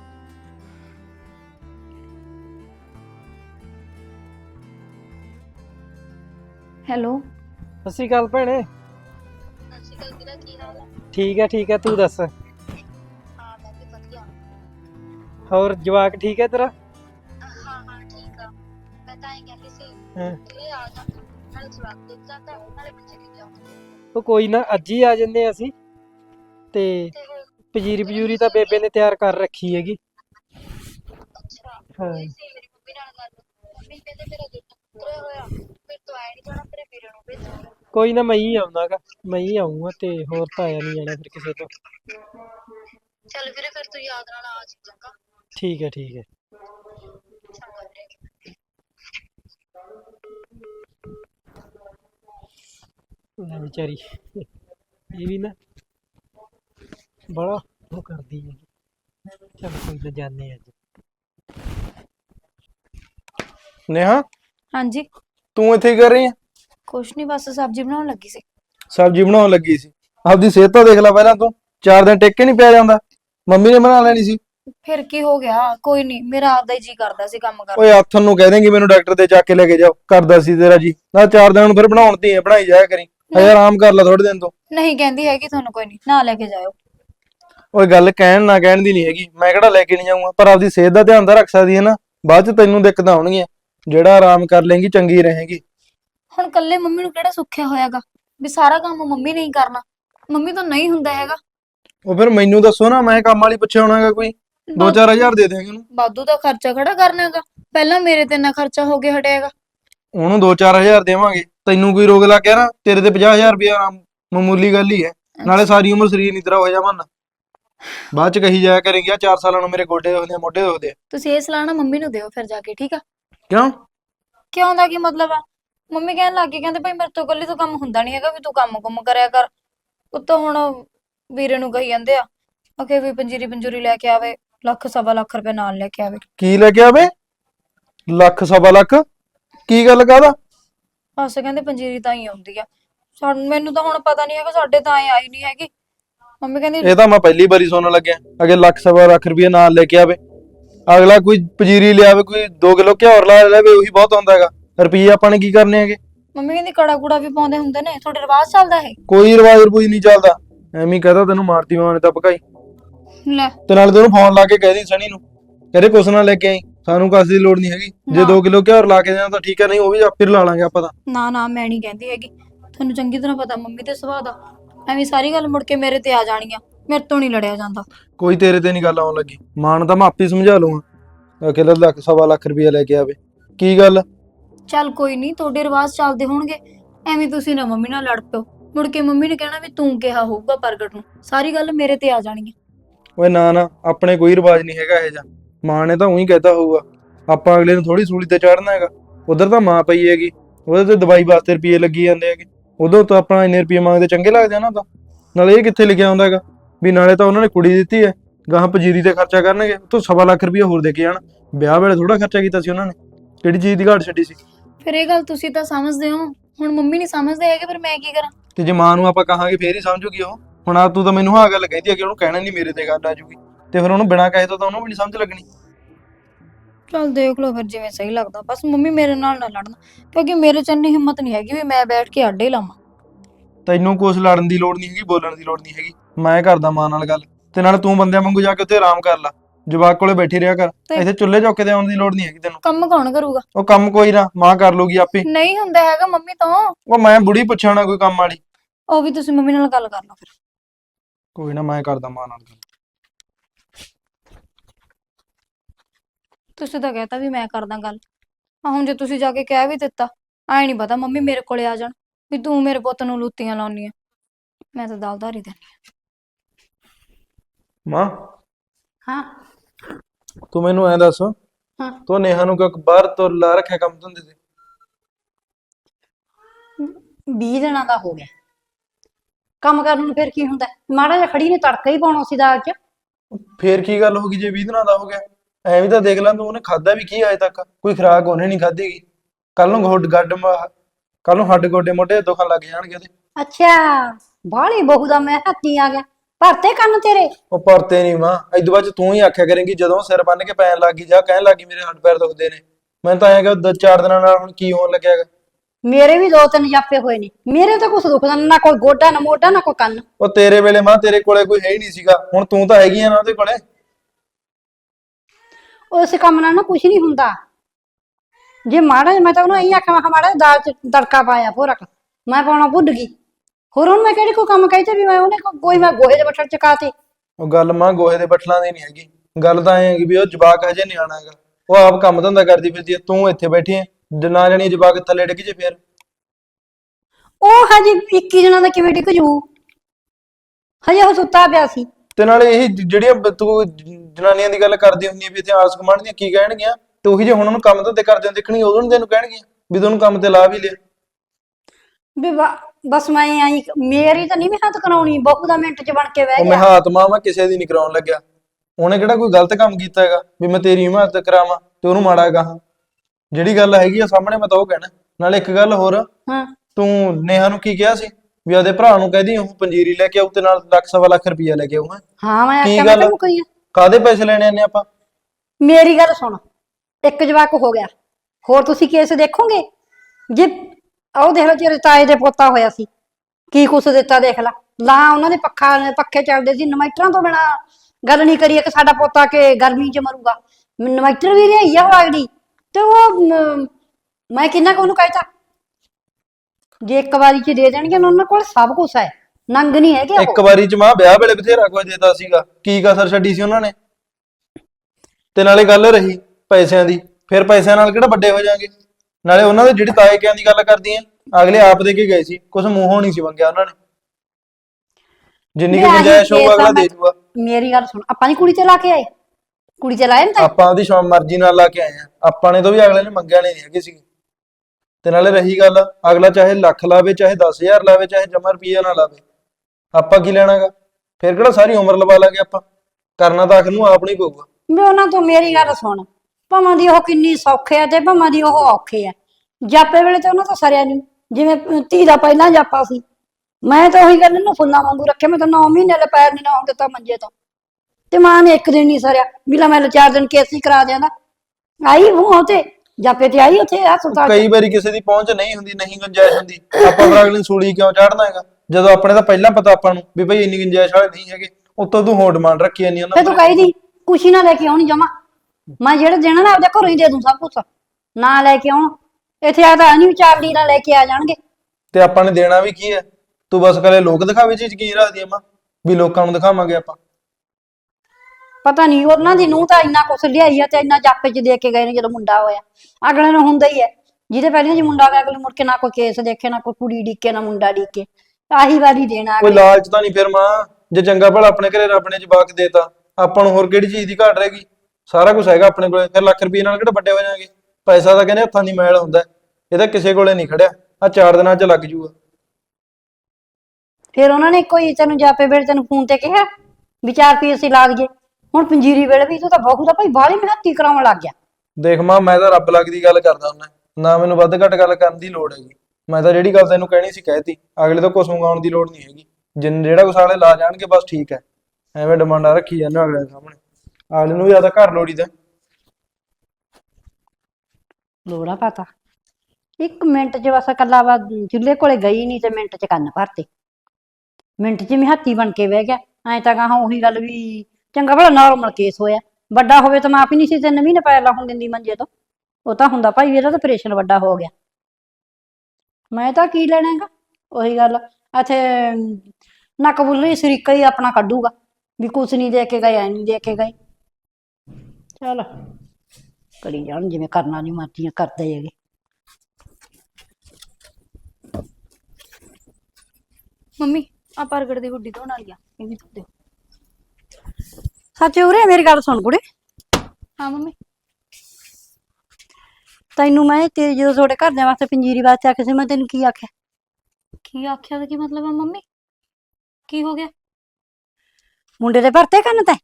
ਹੈਲੋ, ਸਤਿ ਸ਼੍ਰੀ ਅਕਾਲ ਭੈਣੇ। ਸਤਿ ਸ਼੍ਰੀ ਅਕਾਲ ਵੀਰਾ, ਕੀ ਹਾਲ ਹੈ? ਠੀਕ ਹੈ ਠੀਕ ਹੈ, ਤੂੰ ਦੱਸ। ਹਾਂ ਮੈਂ ਵੀ ਵਧੀਆ। ਹੋਰ ਜਵਾਕ ਠੀਕ ਹੈ ਤੇਰਾ? ਹਾਂ ਹਾਂ ਠੀਕ ਆ। ਮੈਂ ਤਾਂ ਇਹ ਕਹਿੰਦੀ ਸੀ ਹਾਂ। ਇਹ ਆ ਜਾ, ਨਾਲੇ ਜਵਾਕ ਦੇਖ ਜਾਂਦਾ ਨਾਲੇ ਬੱਚੇ ਦੇਖ ਜਾਂਦਾ। ਉਹ ਕੋਈ ਨਾ, ਅੱਜ ਹੀ ਆ ਜੰਨੇ ਆ ਅਸੀਂ। ਤੇ ਤੇ ਹੋਰ ਪਜੀਰੀ ਪਜੂਰੀ ਤਾਂ ਬੇਬੇ ਨੇ ਤਿਆਰ ਕਰ ਰੱਖੀ ਹੈਗੀ। ਅੱਛਾ, ਹਾਂ। ਹੋਈ ਸੀ ਮੇਰੀ ਮੰਮੀ ਨਾਲ ਗੱਲ। ਮੰਮੀ ਕਹਿੰਦੇ ਮੇਰਾ ਦੁੱਧ ਉਤਰਿਆ ਹੋਇਆ, ਫਿਰ ਤੂੰ ਆਇਆ ਨਹੀਂ ਜਾਣਾ, ਤੇਰੇ ਵੀਰੇ ਨੂੰ ਭੇਜਾਂਗਾ। ਕੋਈ ਨਾ, ਮੈਂ ਹੀ ਆਉਂਦਾਗਾ, ਮੈਂ ਹੀ ਆਊਂਗਾ, ਤੇ ਹੋਰ ਤਾਂ ਆਇਆ ਨਹੀਂ ਜਾਣਾ ਫਿਰ ਕਿਸੇ ਤੋਂ। ਚੱਲ ਵੀਰੇ, ਫਿਰ ਤੂੰ ਯਾਦ ਨਾਲ ਆ ਜੀ ਚੰਗਾ। ਠੀਕ ਹੈ ਠੀਕ ਹੈ। ਚੰਗਾ ਵੀਰੇ। ਲੈ ਵਿਚਾਰੀ, ਇਹ ਵੀ ਨਾ ਬੜਾ ਉਹ ਕਰਦੀ ਹੈ। ਚੱਲ ਕੋਈ ਨਾ, ਜਾਣੇ ਅੱਜ। ਨੇਹਾ, ਹਾਂਜੀ ਤੂੰ ਇੱਥੇ ਕੀ ਕਰ ਰਹੀ ਹੈ? ਕੁਛ ਨਹੀਂ, ਬਸ ਸਬਜ਼ੀ ਬਣਾਉਣ ਲੱਗੀ ਸੀ। ਸਬਜ਼ੀ ਬਣਾਉਣ ਲੱਗੀ ਸੀ? ਆਪਦੀ ਸਿਹਤ ਤਾਂ ਦੇਖ ਲੈ ਪਹਿਲਾਂ ਤੂੰ, ਚਾਰ ਦਿਨ ਟਿਕ ਕੇ ਨਹੀਂ ਪਿਆ ਜਾਂਦਾ। ਮੰਮੀ ਨੇ ਬਣਾ ਲੈਣੀ ਸੀ। ਫਿਰ ਕੀ ਹੋ ਗਿਆ? ਕੋਈ ਨਹੀਂ, ਮੇਰਾ ਆਪਦਾ ਹੀ ਜੀ ਕਰਦਾ ਸੀ ਕੰਮ ਕਰਨ ਓਏ ਆਥਨ ਨੂੰ ਕਹਿ ਦੇਂਗੀ ਮੈਨੂੰ ਡਾਕਟਰ ਦੇ ਜਾ ਕੇ ਲੈ ਕੇ ਜਾਓ, ਕਰਦਾ ਸੀ ਤੇਰਾ ਜੀ ਨਾ। ਚਾਰ ਦਿਨ ਨੂੰ ਫਿਰ ਬਣਾਉਣ ਦੀ ਬਣਾਈ ਜਾਇਆ ਕਰੀ, ਹਜੇ ਆਰਾਮ ਕਰ ਲੈ ਥੋੜੇ ਦਿਨ ਤੋਂ। ਨਹੀਂ ਕਹਿੰਦੀ ਹੈਗੀ ਤੁਹਾਨੂੰ, ਕੋਈ ਨਹੀਂ, ਨਾ ਲੈ ਕੇ ਜਾਇਓ। ਓਏ ਗੱਲ ਕਹਿਣ ਨਾ ਕਹਿਣ ਦੀ ਨਹੀਂ ਹੈਗੀ, ਮੈਂ ਕਿਹੜਾ ਲੈ ਕੇ ਨਹੀਂ ਜਾਊਂਗਾ, ਪਰ ਆਪਦੀ ਸਿਹਤ ਦਾ ਧਿਆਨ ਤਾਂ ਰੱਖ ਸਕਦੀ ਹੈ ਨਾ। ਬਾਅਦ ਚ ਤੈਨੂੰ ਦਿੱਕਤਾਂ ਆਉਣਗੀਆਂ, ਜਿਹੜਾ ਆਰਾਮ ਕਰ ਲੇਂਗੀ ਚੰਗੀ ਰਹੇਗੀ। ਹੁਣ ਕੱਲੇ ਮੰਮੀ ਨੂੰ ਕਿਹੜਾ ਸੁੱਖਿਆ ਹੋਇਆਗਾ ਵੀ ਸਾਰਾ ਕੰਮ ਮੰਮੀ ਨੇ ਹੀ ਕਰਨਾ? ਮੰਮੀ ਤੋਂ ਨਹੀਂ ਹੁੰਦਾ ਹੈਗਾ। ਉਹ ਫਿਰ ਮੈਨੂੰ ਦੱਸੋ ਨਾ, ਮੈਂ ਕੰਮ ਵਾਲੀ ਪੁੱਛਿਆ ਹੋਣਾਗਾ ਕੋਈ, ਦੋ ਚਾਰ ਹਜ਼ਾਰ ਦੇ ਦੇਂਗੇ ਉਹਨੂੰ। ਵਾਧੂ ਦਾ ਖਰਚਾ ਖੜਾ ਕਰਨਾ ਹੈਗਾ, ਪਹਿਲਾਂ ਮੇਰੇ ਤੇ ਇੰਨਾ ਖਰਚਾ ਹੋ ਕੇ ਹਟਿਆਗਾ। ਉਹਨੂੰ ਦੋ ਚਾਰ ਹਜ਼ਾਰ ਦੇਵਾਂਗੇ, ਤੈਨੂੰ ਕੋਈ ਰੋਗ ਲੱਗ ਗਿਆ ਨਾ, ਤੇਰੇ ਤੇ ਪੰਜਾਹ ਹਜ਼ਾਰ ਰੁਪਇਆ ਮਾਮੂਲੀ ਗੱਲ ਹੀ ਹੈ। ਨਾਲੇ ਸਾਰੀ ਉਮਰ ਸਰੀਰ ਨਹੀਂ ਤੇਰਾ ਹੋ ਜਾਵਾਂ ਨਾ, ਬਾਅਦ ਚ ਕਹੀ ਜਾਇਆ ਕਰੇਗੀ ਆ ਚਾਰ ਸਾਲਾਂ ਨੂੰ ਮੇਰੇ ਗੋਡੇ ਦੁਖਦੇ ਆ, ਮੋਢੇ ਦੁਖਦੇ ਆ। ਤੁਸੀਂ ਇਹ ਸਲਾਹ ਨਾ ਮੰਮੀ ਨੂੰ ਦਿਓ ਫਿਰ ਜਾ ਕੇ, ਠੀਕ ਆ? ਕਿਉਂ? ਕਿਉਂ ਦਾ ਕੀ ਮਤਲਬ ਆ? ਮੰਮੀ ਕਹਿਣ ਲੱਗ ਗਈ, ਕਹਿੰਦੇ ਭਾਈ ਮੇਰੇ ਤੋਂ ਇਕੱਲੀ ਤੋਂ ਕੰਮ ਹੁੰਦਾ ਨਹੀਂ ਹੈਗਾ, ਵੀ ਤੂੰ ਕੰਮ ਕੁੰਮ ਕਰਿਆ ਕਰ। ਉੱਤੋਂ ਹੁਣ ਵੀਰੇ ਨੂੰ ਕਹੀ ਜਾਂਦੇ ਆ ਅਕੇ ਵੀ ਪੰਜੀਰੀ ਪੰਜੂਰੀ ਲੈ ਕੇ ਆਵੇ, ਲੱਖ ਸਵਾ ਲੱਖ ਰੁਪਏ ਨਾਲ ਲੈ ਕੇ ਆਵੇ। ਕੀ ਲੈ ਕੇ ਆਵੇ? ਲੱਖ ਸਵਾ ਲੱਖ? ਕੀ ਗੱਲ ਕਾਹਦਾ? ਬਸ ਕਹਿੰਦੇ ਪੰਜੀਰੀ ਤਾਂ ਹੀ ਆਉਂਦੀ ਆ। ਸਾਨੂੰ ਮੈਨੂੰ ਤਾਂ ਹੁਣ ਪਤਾ ਨਹੀਂ ਹੈਗਾ, ਸਾਡੇ ਤਾਂ ਐ ਆਈ ਨਹੀਂ ਹੈਗੀ। ਮੰਮੀ ਕਹਿੰਦੀ ਇਹ ਤਾਂ ਮੈਂ ਪਹਿਲੀ ਵਾਰੀ ਸੁਣਨ ਲੱਗਿਆ, ਅਗੇ ਲੱਖ ਸਵਾ ਲੱਖ ਰੁਪਏ ਨਾਲ ਲੈ ਕੇ ਆਵੇ। ਅਗਲਾ ਕੋਈ ਪਜੀਰੀ ਲਿਆਵੇ, ਕੋਈ ਦੋ ਕਿਲੋ ਘਿਓ ਲਾ ਲਵੇ, ਉਹੀ ਬਹੁਤ ਆਉਂਦਾ ਹੈਗਾ। ਰੁਪਈਏ ਆਪਾਂ ਨੇ ਕੀ ਕਰਨੇ ਹੈਗੇ? ਮੰਮੀ ਕਹਿੰਦੀ ਕੜਾ ਕੁੜਾ ਵੀ ਪਾਉਂਦੇ ਹੁੰਦੇ ਨੇ, ਤੁਹਾਡੇ ਰਿਵਾਜ ਚੱਲਦਾ ਇਹ? ਕੋਈ ਰਿਵਾਜ ਰੁਪੂਜ ਨਹੀਂ ਚੱਲਦਾ, ਐਵੇਂ ਹੀ ਕਹਦਾ ਤੈਨੂੰ ਮਾਰਤੀ ਮਾਂ ਨੇ ਤਾਂ ਭਕਾਈ। ਲੈ ਤੇ ਨਾਲੇ ਤੈਨੂੰ ਫੋਨ ਲਾ ਕੇ ਕਹਿ ਦੀ ਸਣੀ ਨੂੰ, ਕਹਿੰਦੇ ਕੁਛ ਨਾ ਲੈ ਕੇ ਆਈ। ਸਾਨੂੰ ਕਾਸੇ ਦੀ ਲੋੜ ਨਹੀਂ ਹੈਗੀ। ਜੇ ਨਾ। ਦੋ ਕਿਲੋ ਘਿਓ ਲਾ ਕੇ ਦੇਣਾ ਤਾਂ ਠੀਕ ਹੈ, ਨਹੀਂ ਉਹ ਵੀ ਆਪੇ ਲਾ ਲਾਂਗੇ ਆਪਾਂ ਤਾਂ। ਨਾ ਨਾ ਮੈਂ ਨਹੀਂ ਕਹਿੰਦੀ ਹੈਗੀ, ਤੁਹਾਨੂੰ ਚੰਗੀ ਤਰ੍ਹਾਂ ਪਤਾ ਮੰਮੀ ਦੇ ਸੁਭਾਅ ਦਾ। ਐਵੇਂ ਸਾਰੀ ਗੱਲ ਮੁੜ ਕੇ ਮੇਰੇ ਤੇ ਆ ਜਾਣੀ ਆ, ਮੇਰੇ ਤੋਂ ਨਹੀਂ ਲੜਿਆ ਜਾਂਦਾ। ਕੋਈ ਤੇਰੇ ਤੇ ਨਹੀਂ ਗੱਲ ਆਉਣ ਲੱਗੀ, ਮਾਂ ਨੂੰ ਤਾਂ ਮੈਂ ਆਪੇ ਸਮਝਾ ਲੂੰਗਾ। ਅਕੇਲਾ ਲੱਖ ਸਵਾ ਲੱਖ ਰੁਪਇਆ ਲੈ ਕੇ ਆਵੇ, ਕੀ ਗੱਲ? ਚੱਲ ਕੋਈ ਨਹੀਂ, ਤੁਹਾਡੇ ਰਿਵਾਜ ਚੱਲਦੇ ਹੋਣਗੇ, ਐਵੇਂ ਤੁਸੀਂ ਨਾ ਮੰਮੀ ਨਾਲ ਲੜ ਪਿਓ। ਮੁੜ ਕੇ ਮੰਮੀ ਨੇ ਕਹਿਣਾ ਵੀ ਤੂੰ ਕਿਹਾ ਹੋਊਗਾ ਪ੍ਰਗਟ ਨੂੰ, ਸਾਰੀ ਗੱਲ ਮੇਰੇ ਤੇ ਆ ਜਾਣੀ ਹੈ। ਓਏ ਨਾ ਨਾ, ਆਪਣੇ ਕੋਈ ਰਿਵਾਜ ਨਹੀਂ ਹੈਗਾ ਇਹ ਜਾ। ਮਾਂ ਨੇ ਤਾਂ ਉਹੀ ਕਹਿਤਾ ਹੋਊਗਾ, ਆਪਾਂ ਅਗਲੇ ਨੂੰ ਥੋੜੀ ਸੂਲੀ ਤੇ ਚੜਨਾ ਹੈਗਾ। ਉਧਰ ਤਾਂ ਮਾਂ ਪਈ ਹੈਗੀ, ਉਹਦੇ ਤੇ ਦਵਾਈ ਵਾਸਤੇ ਰੁਪਏ ਲੱਗੀ ਜਾਂਦੇ ਹੈਗੇ। ਉਦੋਂ ਤਾਂ ਆਪਾਂ ਇੰਨੇ ਰੁਪਏ ਮੰਗਦੇ ਚੰਗੇ ਲੱਗਦੇ ਆ ਨਾ। ਤਾਂ ਨਾਲੇ ਇਹ ਕਿੱਥੇ ਲਿਖਿਆ ਹੁੰਦਾ ਹੈਗਾ ਵੀ ਨਾਲੇ ਤਾਂ ਉਹਨਾਂ ਨੇ ਕੁੜੀ ਦਿੱਤੀ ਹੈ, ਗਾਹਾਂ ਪਜੀਰੀ ਤੇ ਖਰਚਾ ਕਰਨਗੇ, ਉਤੋਂ ਸਵਾ ਲੱਖ ਰੁਪਏ ਹੋਰ ਦੇ ਕੇ ਜਾਣ। ਵਿਆਹ ਵੇਲੇ ਥੋੜਾ ਖਰਚਾ ਕੀਤਾ ਸੀ ਉਹਨਾਂ ਨੇ, ਕਿਹੜੀ ਚੀਜ਼ ਦੀ ਘਾਟ ਛੱਡੀ ਸੀ? ਫਿਰ ਇਹ ਗੱਲ ਤੁਸੀਂ ਤਾਂ ਸਮਝਦੇ ਹੋ, ਹੁਣ ਮੰਮੀ ਨਹੀਂ ਸਮਝਦੇ ਹੈਗੇ, ਫਿਰ ਮੈਂ ਕੀ ਕਰਾਂ? ਤੇ ਜੇ ਮਾਂ ਨੂੰ ਆਪਾਂ ਕਹਾਂਗੇ ਫੇਰ ਹੀ ਸਮਝੂਗੀ ਉਹ। ਹੁਣ ਆ ਤੂੰ ਤਾਂ ਮੈਨੂੰ ਆਹ ਗੱਲ ਕਹਿੰਦੀ ਆ ਕਿ ਉਹਨੂੰ ਕਹਿਣਾ ਨਹੀਂ, ਮੇਰੇ ਤੇ ਗੱਲ ਆ ਜੂਗੀ, ਤੇ ਫਿਰ ਉਹਨੂੰ ਬਿਨਾਂ ਕਹੇ ਤੋਂ ਤਾਂ ਉਹਨੂੰ ਵੀ ਨਹੀਂ ਸਮਝ ਲੱਗਣੀ। ਚੱਲ ਦੇਖ ਲਓ ਫਿਰ ਜਿਵੇਂ ਸਹੀ ਲੱਗਦਾ, ਬਸ ਮੰਮੀ ਮੇਰੇ ਨਾਲ ਨਾ ਲੜਨ, ਕਿਉਂਕਿ ਮੇਰੇ ਚ ਇੰਨੀ ਹਿੰਮਤ ਨਹੀਂ ਹੈਗੀ ਵੀ ਮੈਂ ਬੈਠ ਕੇ ਆਡੇ ਲਾਵਾਂ। ਤੈਨੂੰ ਕੁਛ ਲੜਨ ਦੀ ਲੋੜ ਨਹੀਂ ਹੈਗੀ, ਬੋਲਣ ਦੀ ਲੋੜ ਨਹੀਂ ਹੈਗੀ। ਮੈਂ ਕਰਦਾ ਮਾਂ ਨਾਲ ਗੱਲ, ਤੇ ਨਾਲ ਤੂੰ ਬੰਦਿਆਂ ਵਾਂਗੂ ਜਾ ਕੇ ਉੱਥੇ ਆਰਾਮ ਕਰ ਲੈ, ਜਵਾਕ ਕੋਲੇ ਬੈਠੀ ਰਿਹਾ ਕਰ। ਤੇ- ਇੱਥੇ ਚੁੱਲ੍ਹੇ ਚੌਕੇ ਤੇ ਆਉਣ ਦੀ ਲੋੜ ਨਹੀਂ ਹੈਗੀ ਤੈਨੂੰ। ਕੰਮ ਕੌਣ ਕਰੂਗਾ? ਉਹ ਕੰਮ ਕੋਈ ਨਾ, ਮਾਂ ਕਰ ਲੂਗੀ ਆਪੇ। ਨਹੀਂ ਹੁੰਦਾ ਹੈਗਾ ਮੰਮੀ ਤੋਂ। ਉਹ ਮੈਂ ਬੁੜੀ ਪੁੱਛਿਆ ਹੋਣਾ ਕੋਈ ਕੰਮ ਵਾਲੀ। ਉਹ ਵੀ ਤੁਸੀਂ ਮੰਮੀ ਨਾਲ ਗੱਲ ਕਰ ਲਓ ਫਿਰ। ਕੋਈ ਨਾ, ਮੈਂ ਕਰਦਾ ਮਾਂ ਨਾਲ ਗੱਲ। ਤੁਸੀਂ ਤਾਂ ਕਹਿਤਾ ਵੀ ਮੈਂ ਕਰਦਾ ਗੱਲ, ਆ ਹੁਣ ਜੇ ਤੁਸੀਂ ਜਾ ਕੇ ਕਹਿ ਵੀ ਦਿੱਤਾ, ਐ ਨਹੀਂ ਪਤਾ ਮੰਮੀ ਮੇਰੇ ਕੋਲੇ ਆ ਜਾਣ ਵੀ ਤੂੰ ਮੇਰੇ ਪੁੱਤ ਨੂੰ ਲੁੱਤੀਆਂ ਲਾਉਣੀ ਆ। ਮੈਂ ਤਾਂ ਦਾਲਦਾਰੀ ਦੇਣੀ ਮਾਂ ਹਾਂ ਤੂੰ ਮੈਨੂੰ ਐਂ ਦੱਸ, ਹਾਂ ਤੂੰ ਨੇਹਾ ਨੂੰ ਕਿਉਂ ਬਾਹਰ ਤੋਂ ਲਾ ਰੱਖਿਆ ਕੰਮ ਧੰਦੇ ਤੇ? ਵੀਹ ਦਿਨਾਂ ਦਾ ਹੋ ਗਿਆ ਕੰਮ ਕਰਨ ਨੂੰ, ਫਿਰ ਕੀ ਹੁੰਦਾ? ਮਾੜਾ ਜਿਹਾ ਖੜੀ ਨੇ ਤੜਕਾ ਹੀ ਪਾਉਣਾ ਸੀ ਦਾਲ 'ਚ। ਫੇਰ ਕੀ ਗੱਲ ਹੋ ਗਈ ਜੇ ਵੀਹ ਦਿਨਾਂ ਦਾ ਹੋ ਗਿਆ? ਐਵੇਂ ਤਾਂ ਦੇਖ ਲਾਂ ਤੂੰ, ਉਹਨੇ ਖਾਦਾ ਵੀ ਕੀ ਅਜੇ ਤੱਕ? ਕੋਈ ਖੁਰਾਕ ਉਹਨੇ ਨਹੀਂ ਖਾਧੀ ਗੀ। ਕੱਲ ਨੂੰ ਗੋਡ ਗੱਡ ਕੱਲ ਨੂੰ ਹੱਡ ਗੋਡੇ ਮੋਢੇ ਦੁਖਣ ਲੱਗ ਜਾਣਗੇ ਉਹਦੇ। ਅੱਛਾ, ਬਾਹਲੀ ਬਹੂ ਦਾ ਮੈਂ ਹੱਥੀ ਆ ਗਿਆ, ਭਰਤੇ ਕੰਨ ਤੇਰੇ। ਉਹ ਪਰਤੇ ਨਹੀਂ ਮਾਂ, ਇਦੋਂ ਬਾਅਦ 'ਚ ਤੂੰ ਹੀ ਆਖਿਆ ਕਰੇਂਗੀ ਜਦੋਂ ਸਿਰ ਬੰਨ ਕੇ ਪੈਣ ਲੱਗੀ ਜਾਂ ਕਹਿਣ ਲੱਗੀ ਮੇਰੇ ਹੱਡ ਪੈਰ ਦੁਖਦੇ ਨੇ। ਮੈਨੂੰ ਤਾਂ ਐਂ ਕਿ ਚਾਰ ਦਿਨਾਂ ਨਾਲ ਹੁਣ ਕੀ ਹੋਣ ਲੱਗਿਆ ਹੈਗਾ। ਮੇਰੇ ਵੀ ਦੋ ਤਿੰਨ ਜਾਪੇ ਹੋਏ ਨੇ, ਮੇਰੇ ਤਾਂ ਕੁਛ ਦੁਖਦਾ ਨੀ, ਨਾ ਕੋਈ ਗੋਡਾ ਨਾ ਮੋਢਾ ਨਾ ਕੋਈ ਕੰਨ। ਉਹ ਤੇਰੇ ਵੇਲੇ ਮਾਂ ਤੇਰੇ ਕੋਲੇ ਕੋਈ ਹੈ ਹੀ ਨਹੀਂ ਸੀਗਾ, ਹੁਣ ਤੂੰ ਤਾਂ ਹੈਗੀ ਆ ਨਾ ਉਹਦੇ ਕੋਲੇ। ਉਸ ਕੰਮ ਨਾਲ ਨਾ ਕੁਛ ਨਹੀਂ ਹੁੰਦਾ। ਜੇ ਮਾੜਾ ਜਿਹਾ ਮੈਂ ਤਾਂ ਉਹਨੂੰ ਇਹੀ ਆਖਿਆ, ਮੈਂ ਕਿਹਾ ਮਾੜਾ ਜਿਹਾ ਦਾਲ 'ਚ ਤੜਕਾ ਪਾਇਆ ਭੋਰਾ ਕੁ, ਮੈਂ ਪਾਉਣਾ ਭੁੱਲ ਗਈ। ਹੋਰ ਹੁਣ ਮੈਂ ਕਿਹੜੀ ਕੋਈ ਕੰਮ ਕਹੀ ਵੀ ਮੈਂ ਉਹਨੇ ਕੋ- ਕੋਈ ਮੈਂ ਗੋਹੇ ਦੇ ਬੱਠਲ ਚਕਾਤੇ। ਉਹ ਗੱਲ ਮਾਂ ਗੋਹੇ ਦੇ ਬੱਠਲਾਂ ਦੀ ਨਹੀਂ ਹੈਗੀ, ਗੱਲ ਤਾਂ ਐਂ ਹੈਗੀ ਵੀ ਉਹ ਜਵਾਕ ਹਜੇ ਨਿਆਣਾ ਹੈਗਾ, ਉਹ ਆਪ ਕੰਮ ਧੰਦਾ ਕਰਦੀ ਫਿਰਦੀ ਹੈ, ਤੂੰ ਇੱਥੇ ਬੈਠੀ ਹੈ। ਨਾ ਜਾਣੀ ਜਵਾਕ ਥੱਲੇ ਡਿੱਗ ਜੇ ਫੇਰ। ਉਹ ਹਜੇ ਇੱਕੀ ਜਣਾ ਦਾ ਕਿਵੇਂ ਡਿੱਗ ਜੂ? ਹਜੇ ਉਹ ਸੁੱਤਾ ਪਿਆ ਸੀ। ਤੇ ਨਾਲੇ ਇਹ ਜ- ਜਿਹੜੀਆਂ ਬ- ਤੂੰ ਜ- ਜਨਾਨੀਆਂ ਦੀ ਗੱਲ ਕਰਦੀ ਹੁੰਦੀ ਹੈ ਵੀ ਇੱਥੇ ਆਸ ਗੁਆਂਢ ਦੀਆਂ ਕੀ ਕਹਿਣਗੀਆਂ, ਤੇ ਉਹੀ ਜੇ ਹੁਣ ਉਹਨੂੰ ਕੰਮ ਧੰਦੇ ਕਰਦੇ ਦੇਖਣੀ, ਉਦੋਂ ਨੀ ਤੈਨੂੰ ਕਹਿਣਗੀਆਂ ਵੀ ਤੈਨੂੰ ਕੰਮ ਤੇ ਲਾ ਵੀ ਲਿਆ। ਵੀ ਬ- ਬਸ ਮੈਂ ਆਈ, ਮੇਰੀ ਤਾਂ ਨਹੀਂ ਮਿਹਨਤ ਕਰਾਉਣੀ, ਬਹੂ ਦਾ ਮਿੰਟ 'ਚ ਬਣ ਕੇ ਬਹਿ ਉਹ ਮੈਂ ਗਿਆ। ਆਤਮਾ ਮੈਂ ਕਿਸੇ ਦੀ ਨਹੀਂ ਕਰਾਉਣ ਲੱਗਿਆ। ਉਹਨੇ ਕਿਹੜਾ ਕੋਈ ਗਲਤ ਕੰਮ ਕੀਤਾ ਹੈਗਾ ਵੀ ਮੈਂ ਤੇਰੀ ਹਿਮਾਇਤ ਕਰਾਵਾਂ ਤੇ ਉਹਨੂੰ ਮਾੜਾ ਕਹਾਂ? ਜਿਹੜੀ ਗੱਲ ਹੈਗੀ ਆ ਸਾਹਮਣੇ ਮੈਂ ਤਾਂ ਉਹ ਕਹਿਣਾ। ਨਾਲੇ ਇੱਕ ਗੱਲ ਹੋਰ, ਹਾਂ ਤੂੰ ਨੇਹਾ ਨੂੰ ਕੀ ਕਿਹਾ ਸੀ ਵੀ ਉਹਦੇ ਭਰਾ ਨੂੰ ਕਹਿਦੀ ਉਹ ਪੰਜੀਰੀ ਲੈ ਕੇ ਆਉ ਤੇ ਨਾਲ ਲੱਖ ਸਵਾ ਲੱਖ ਰੁਪਈਆ ਲੈ ਕੇ ਆਉ? ਹਾਂ ਮੈਂ ਕੀ ਆਖਿਆ ਮੈਂ ਗੱਲ? ਤੈਨੂੰ ਕਹੀ ਆ। ਕਾਹਦੇ ਪੈਸੇ ਲੈਣੇ ਨੇ ਆਪਾਂ? ਮੇਰੀ ਗੱਲ ਸੁਣ, ਇੱਕ ਜਵਾਕ ਹੋ ਗਿਆ, ਹੋਰ ਤੁਸੀਂ ਕੇਸ ਦੇਖੋਗੇ? ਜੇ ਉਹ ਦੇਖ ਲਓ ਤੇਰੇ ਤਾਏ ਦੇ ਪੋਤਾ ਹੋਇਆ ਸੀ, ਕੀ ਕੁਛ ਦਿੱਤਾ ਦੇਖ ਲਾ। ਲਾ ਉਹਨਾਂ ਦੇ ਪੱਖਾ ਪੱਖੇ ਚੱਲਦੇ ਸੀ, ਇਨਵਰਟਰਾਂ ਤੋਂ ਬਿਨਾ ਗੱਲ ਨਹੀਂ ਕਰੀਏ ਕਿ ਸਾਡਾ ਪੋਤਾ ਕਿ ਗਰਮੀ 'ਚ ਮਰੂਗਾ। ਇਨਵਰਟਰ ਵੀ ਲਿਆਈ ਆ ਉਹ ਅਗਲੀ, ਤੇ ਉਹ ਮ, ਮੈਂ ਕਿੰਨਾ ਕੁ ਉਹਨੂੰ ਕਹਿਤਾ, ਜੇ ਇੱਕ ਵਾਰੀ 'ਚ ਦੇ ਦੇਣਗੇ ਉਹਨਾਂ ਕੋਲ ਸਭ ਕੁਛ ਹੈ, ਨੰਗ ਨਹੀਂ ਹੈਗੇ ਉਹ। ਇੱਕ ਵਾਰੀ ਚ ਮਾਂ ਵਿਆਹ ਵੇਲੇ ਬਥੇਰਾ ਕੁਝ ਦੇਤਾ ਸੀਗਾ, ਕੀ ਕਸਰ ਛੱਡੀ ਸੀ ਉਹਨਾਂ ਨੇ? ਤੇ ਨਾਲੇ ਗੱਲ ਰਹੀ ਪੈਸਿਆਂ ਦੀ, ਫਿਰ ਪੈਸਿਆਂ ਨਾਲ ਕਿਹੜਾ ਵੱਡੇ ਹੋ ਜਾਣਗੇ? ਨਾਲੇ ਉਹਨਾਂ ਦੇ ਜਿਹੜੇ ਤਾਏ ਕਿਆਂ ਦੀ ਗੱਲ ਕਰਦੀ ਆ, ਅਗਲੇ ਆਪ ਦੇ ਕੇ ਗਏ ਸੀ, ਕੁਝ ਮੂੰਹੋਂ ਨਹੀਂ ਸੀ ਮੰਗਿਆ ਉਹਨਾਂ ਨੇ। ਜਿੰਨੀ ਕੁ ਮੈਂ ਆਹੀ ਗੁੰਜਾਇਸ਼ ਹੋਊ ਕੇਸ ਆ, ਅਗਲਾ ਦੇ ਮੈਂ- ਦੂਗਾ। ਮੇਰੀ ਗੱਲ ਸੁਣ, ਆਪਾਂ ਨੀ ਕੁੜੀ ਤੇ ਲਾ ਕੇ ਆਏ, ਕੁੜੀ ਤੇ ਲਾਏ ਨਾ ਤਾਂ। ਆਪਾਂ ਉਹਦੀ ਸ਼ੌਮ ਮਰਜ਼ੀ ਨਾਲ ਲਾ ਕੇ ਆਏ ਆ, ਆਪਾਂ ਨੇ ਤਾਂ ਵੀ ਅਗਲੇ ਨੇ ਮੰਗਿਆ ਨਹੀਂ ਹੈਗੀ ਸੀ। ਤੇ ਨਾਲੇ ਰਹੀ ਗੱਲ, ਅਗਲਾ ਚਾਹੇ ਲੱਖ ਲਾਵੇ, ਚਾਹੇ ਦਸ ਹਜ਼ਾਰ ਲਾਵੇ, ਚਾਹੇ ਜਮਾ ਰੁਪਈਆ ਨਾ ਲਾਵੇ, ਆਪਾਂ ਕੀ ਲੈਣਾਗਾ? ਫਿਰ ਕਿਹੜਾ ਸਾਰੀ ਉਮਰ ਲਵਾ ਲਾਂਗੇ ਆਪਾਂ? ਕਰਨਾ ਤਾਂ ਆਖਰ ਨੂੰ ਆਪ ਨਹੀਂ ਪਊਗਾ। ਵੀ ਉਹਨਾਂ ਤੋਂ ਮੇਰੀ ਗੱਲ ਸੁਣ, ਭਾਵਾਂ ਦੀ ਉਹ ਕਿੰਨੀ ਸੌਖੇ ਆ ਤੇ ਭਾਵਾਂ ਦੀ ਉਹ ਔਖੇ ਆ, ਜਾਪੇ ਵੇਲੇ ਤੇ ਉਹਨਾਂ ਤੋਂ ਸਰਿਆ ਨਹੀਂ, ਜਿਵੇਂ ਧੀ ਦਾ ਪਹਿਲਾਂ ਜਾਪਾ ਸੀ। ਮੈਂ ਤਾਂ ਉਹੀ ਗੱਲ ਇਹਨੂੰ ਫੁੱਲਾਂ ਵਾਂਗੂ ਰੱਖਿਆ, ਮੈਂ ਤਾਂ ਨੌ ਮਹੀਨੇ ਲੈ ਪੈਰ ਨਹੀਂ ਲਾਉਣ ਦਿੱਤਾ ਮੰਜੇ ਤੋਂ, ਤੇ ਮਾਂ ਨੇ ਇੱਕ ਦਿਨ ਨਹੀਂ ਸਰਿਆ ਵੀ ਲੈ ਮੈਂ ਚਾਰ ਦਿਨ ਕੇਸੀ ਕਰਾ ਦਿਆਂਦਾ। ਆਈ ਮੂੰਹ ਤੇ ਜਾਪੇ ਤੇ ਆਈ ਉੱਥੇ ਹਸਪਤਾਲ 'ਚ। ਕਈ ਵਾਰੀ ਕਿਸੇ ਦੀ ਪਹੁੰਚ ਨਹੀਂ ਹੁੰਦੀ, ਨਹੀਂ ਗੁੰਜਾਇਸ਼ ਹੁੰਦੀ, ਆਪਾਂ ਫਿਰ ਅਗਲੇ ਨੂੰ ਸੂਲੀ ਕਿਉਂ ਚਾੜਨਾ ਹੈਗਾ, ਜਦੋਂ ਆਪਣੇ ਤਾਂ ਪਹਿਲਾਂ ਪਤਾ ਆਪਾਂ ਨੂੰ ਵੀ ਭਾਈ ਇੰਨੀ ਗੁੰਜਾਇਸ਼ ਵਾਲੇ ਨਹੀਂ ਹੈਗੇ, ਉੱਤੋਂ ਤੂੰ ਹੋਰ ਡਿਮਾਂਡ ਰੱਖੀ ਜਾਂਦੀ ਉਹਨਾਂ ਤੇ ਤੂੰ ਕਹੀ ਦੀ ਕੁਛ ਨਾ ਲੈ ਕੇ ਆਉਣੀ ਜਮਾ। ਮੈਂ ਜਿਹੜਾ ਦੇਣਾ ਨਾ ਆਪਦੇ ਘਰੋਂ ਹੀ ਦੇ ਦੂੰ ਸਭ ਕੁਛ, ਨਾ ਲੈ ਕੇ ਆਉਣ ਇੱਥੇ ਆ ਤਾਂ ਨਹੀਂ ਚਾਰ ਲੀਰਾਂ ਲੈ ਕੇ ਆ ਜਾਣਗੇ। ਤੇ ਆਪਾਂ ਨੇ ਦੇਣਾ ਵੀ ਕੀ ਹੈ? ਤੂੰ ਬਸ ਕਰੇ ਲੋਕ ਦਿਖਾਵੇ ਚ ਯਕੀਨ ਰੱਖਦੀ ਆ ਮਾਂ, ਵੀ ਲੋਕਾਂ ਨੂੰ ਦਿਖਾਵਾਂਗੇ ਆਪਾਂ। ਪਤਾ ਨਹੀਂ ਉਹਨਾਂ ਦੀ ਨੂੰਹ ਤਾਂ ਇੰਨਾ ਕੁਛ ਲਿਆਈ ਆ ਤੇ ਇੰਨਾ ਜਾਪੇ ਚ ਦੇ ਕੇ ਗਏ ਨੇ ਜਦੋਂ ਮੁੰਡਾ ਹੋਇਆ। ਅਗਲੇ ਨੂੰ ਹੁੰਦਾ ਹੀ ਹੈ, ਜਿਹਦੇ ਪਹਿਲਾਂ ਜੀ ਮੁੰਡਾ ਹੋਇਆ ਅਗਲੇ ਮੁੜ ਕੇ ਨਾ ਕੋਈ ਕੇਸ ਦੇਖੇ, ਨਾ ਕੋਈ ਕੁੜੀ ਡੀਕੇ, ਨਾ ਮੁੰਡਾ ਡੀਕੇ, ਆਹੀ ਵਾਰੀ ਦੇਣਾ ਕੋਈ ਅਗਲੇ। ਲਾਲਚ ਤਾਂ ਨਹੀਂ ਫਿਰ ਮਾਂ? ਜੇ ਚੰਗਾ ਭਲਾ ਆਪਣੇ ਘਰੇ ਰੱਬ ਨੇ ਜਵਾਕ ਦੇਤਾ, ਆਪਾਂ ਨੂੰ ਹੋਰ ਕਿਹੜੀ ਚੀਜ਼ ਦੀ ਘਾਟ ਰਹਿ ਗਈ? ਸਾਰਾ ਕੁਝ ਹੈਗਾ ਆਪਣੇ ਕੋਲੇ, ਫਿਰ ਲੱਖ ਰੁਪਏ ਨਾਲ ਕਿਹੜਾ ਵੱਡੇ ਹੋ ਜਾਣਗੇ? ਪੈਸਾ ਤਾਂ ਕਹਿੰਦੇ ਹੱਥਾਂ ਦੀ ਮੈਲ ਹੁੰਦਾ, ਇਹ ਤਾਂ ਕਿਸੇ ਕੋਲੇ ਨਹੀਂ ਖੜਿਆ, ਆ ਚਾਰ ਦਿਨਾਂ ਚ ਲੱਗ ਜੂਗਾ। ਫਿਰ ਉਹਨਾਂ ਨੇ ਕੋਈ ਤੈਨੂੰ ਜਾਪੇ ਵੇਲੇ ਤੈਨੂੰ ਫੋਨ ਤੇ ਕਿਹਾ ਵੀ ਚਾਰ ਰੁਪਏ ਅਸੀਂ ਲੱਗ ਜੇ? ਹੁਣ ਪੰਜੀਰੀ ਵੇਲੇ ਵੀ ਤੂੰ ਤਾਂ ਬਹੂ ਦਾ ਭਾਈ ਬਾਹਲੀ ਮਿਹਨਤੀ ਕਰਾਉਣ ਲੱਗ ਗਿਆ। ਦੇਖ ਮਾਂ, ਮੈਂ ਤਾਂ ਰੱਬ ਲੱਗ ਦੀ ਗੱਲ ਕਰਦਾ ਹੁੰਦਾ, ਨਾ ਮੈਨੂੰ ਵੱਧ ਘੱਟ ਗੱਲ ਕਰਨ ਦੀ ਲੋੜ ਹੈਗੀ। ਮੈਂ ਤਾਂ ਜਿਹੜੀ ਗੱਲ ਤੈਨੂੰ ਕਹਿਣੀ ਸੀ ਕਹਿਤੀ, ਅਗਲੇ ਤੋਂ ਕੁਛ ਮੰਗਾਉਣ ਦੀ ਲੋੜ ਨਹੀਂ ਹੈਗੀ। ਜਿੰਨ ਜਿਹੜਾ ਕੁਛ ਵਾਲੇ ਲਾ ਜਾਣਗੇ ਬਸ ਠੀਕ ਹੈ। ਐਵੇਂ ਡਿਮਾਂਡਾਂ ਰੱਖੀ ਜਾਂਦੇ ਅਗਲੇ ਦੇ ਸਾਹਮਣੇ, ਅਗਲੇ ਨੂੰ ਵੀ ਜ਼ਿਆਦਾ ਘਰ ਲੋੜੀਦਾ। ਲੋੜਾ ਪਤਾ ਇੱਕ ਮਿੰਟ ਚ ਬਸ ਇਕੱਲਾ ਵਾ ਚੁੱਲ੍ਹੇ ਕੋਲੇ ਗਈ ਨਹੀਂ ਤੇ ਮਿੰਟ ਚ ਕੰਨ ਭਰਤੇ, ਮਿੰਟ ਚ ਵੀ ਹੱਥੀ ਬਣ ਕੇ ਬਹਿ ਗਿਆ। ਐਂ ਤਾਂ ਕਹਾਂ ਉਹੀ ਗੱਲ ਵੀ ਚੰਗਾ ਭਲਾ ਨੋਰਮਲ ਕੇਸ ਹੋਇਆ, ਵੱਡਾ ਹੋਵੇ ਤਾਂ ਮਾਫੀ ਨਹੀਂ ਸੀ ਤਿੰਨ ਮਹੀਨੇ ਪੈਰ ਲਾਹੁਣ ਦਿੰਦੀ ਮੰਜੇ ਤੋਂ। ਉਹ ਤਾਂ ਹੁੰਦਾ ਭਾਈ ਇਹਦਾ ਤਾਂ ਆਪਰੇਸ਼ਨ ਵੱਡਾ ਹੋ ਗਿਆ, ਮੈਂ ਤਾਂ ਕੀ ਲੈਣਾ ਹੈਗਾ। ਉਹੀ ਗੱਲ ਇੱਥੇ ਨੱਕ ਬੁੱਲੀ ਸਰੀਕਾ ਹੀ ਆਪਣਾ ਕੱਢੂਗਾ ਵੀ ਕੁਛ ਨਹੀਂ ਦੇ ਕੇ ਗਏ, ਐ ਨਹੀਂ ਦੇ ਕੇ ਗਏ। ਚਲ ਕਰੀ ਜਾਣ ਜਿਵੇਂ ਕਰਨਾ, ਨਹੀਂ ਮਰਜ਼ੀਆਂ ਕਰਦੇ ਹੈਗੇ। ਮੰਮੀ ਆ ਪ੍ਰਗਟ ਦੀ ਹੁੱਡੀ ਧੋਣ ਵਾਲੀ ਆ, ਇਹ ਵੀ ਧੋ ਦਿਓ। ਸੱਚ ਉਰੇ ਮੇਰੀ ਗੱਲ ਸੁਣ ਕੁੜੇ, ਹਾਂ ਮੰਮੀ। ਤੈਨੂੰ ਮੈਂ ਤੇ ਜਦੋਂ ਤੁਹਾਡੇ ਘਰਦਿਆਂ ਵਾਸਤੇ ਪੰਜੀਰੀ ਵਾਸਤੇ ਆਖਿਆ ਸੀ, ਮੈਂ ਤੈਨੂੰ ਕੀ ਆਖਿਆ? ਕੀ ਆਖਿਆ ਦਾ ਕੀ ਮਤਲਬ ਆ ਮੰਮੀ? ਕੀ ਹੋ ਗਿਆ? ਮੁੰਡੇ ਦੇ ਭਰਤੇ ਕੰਨ ਤੈਂ?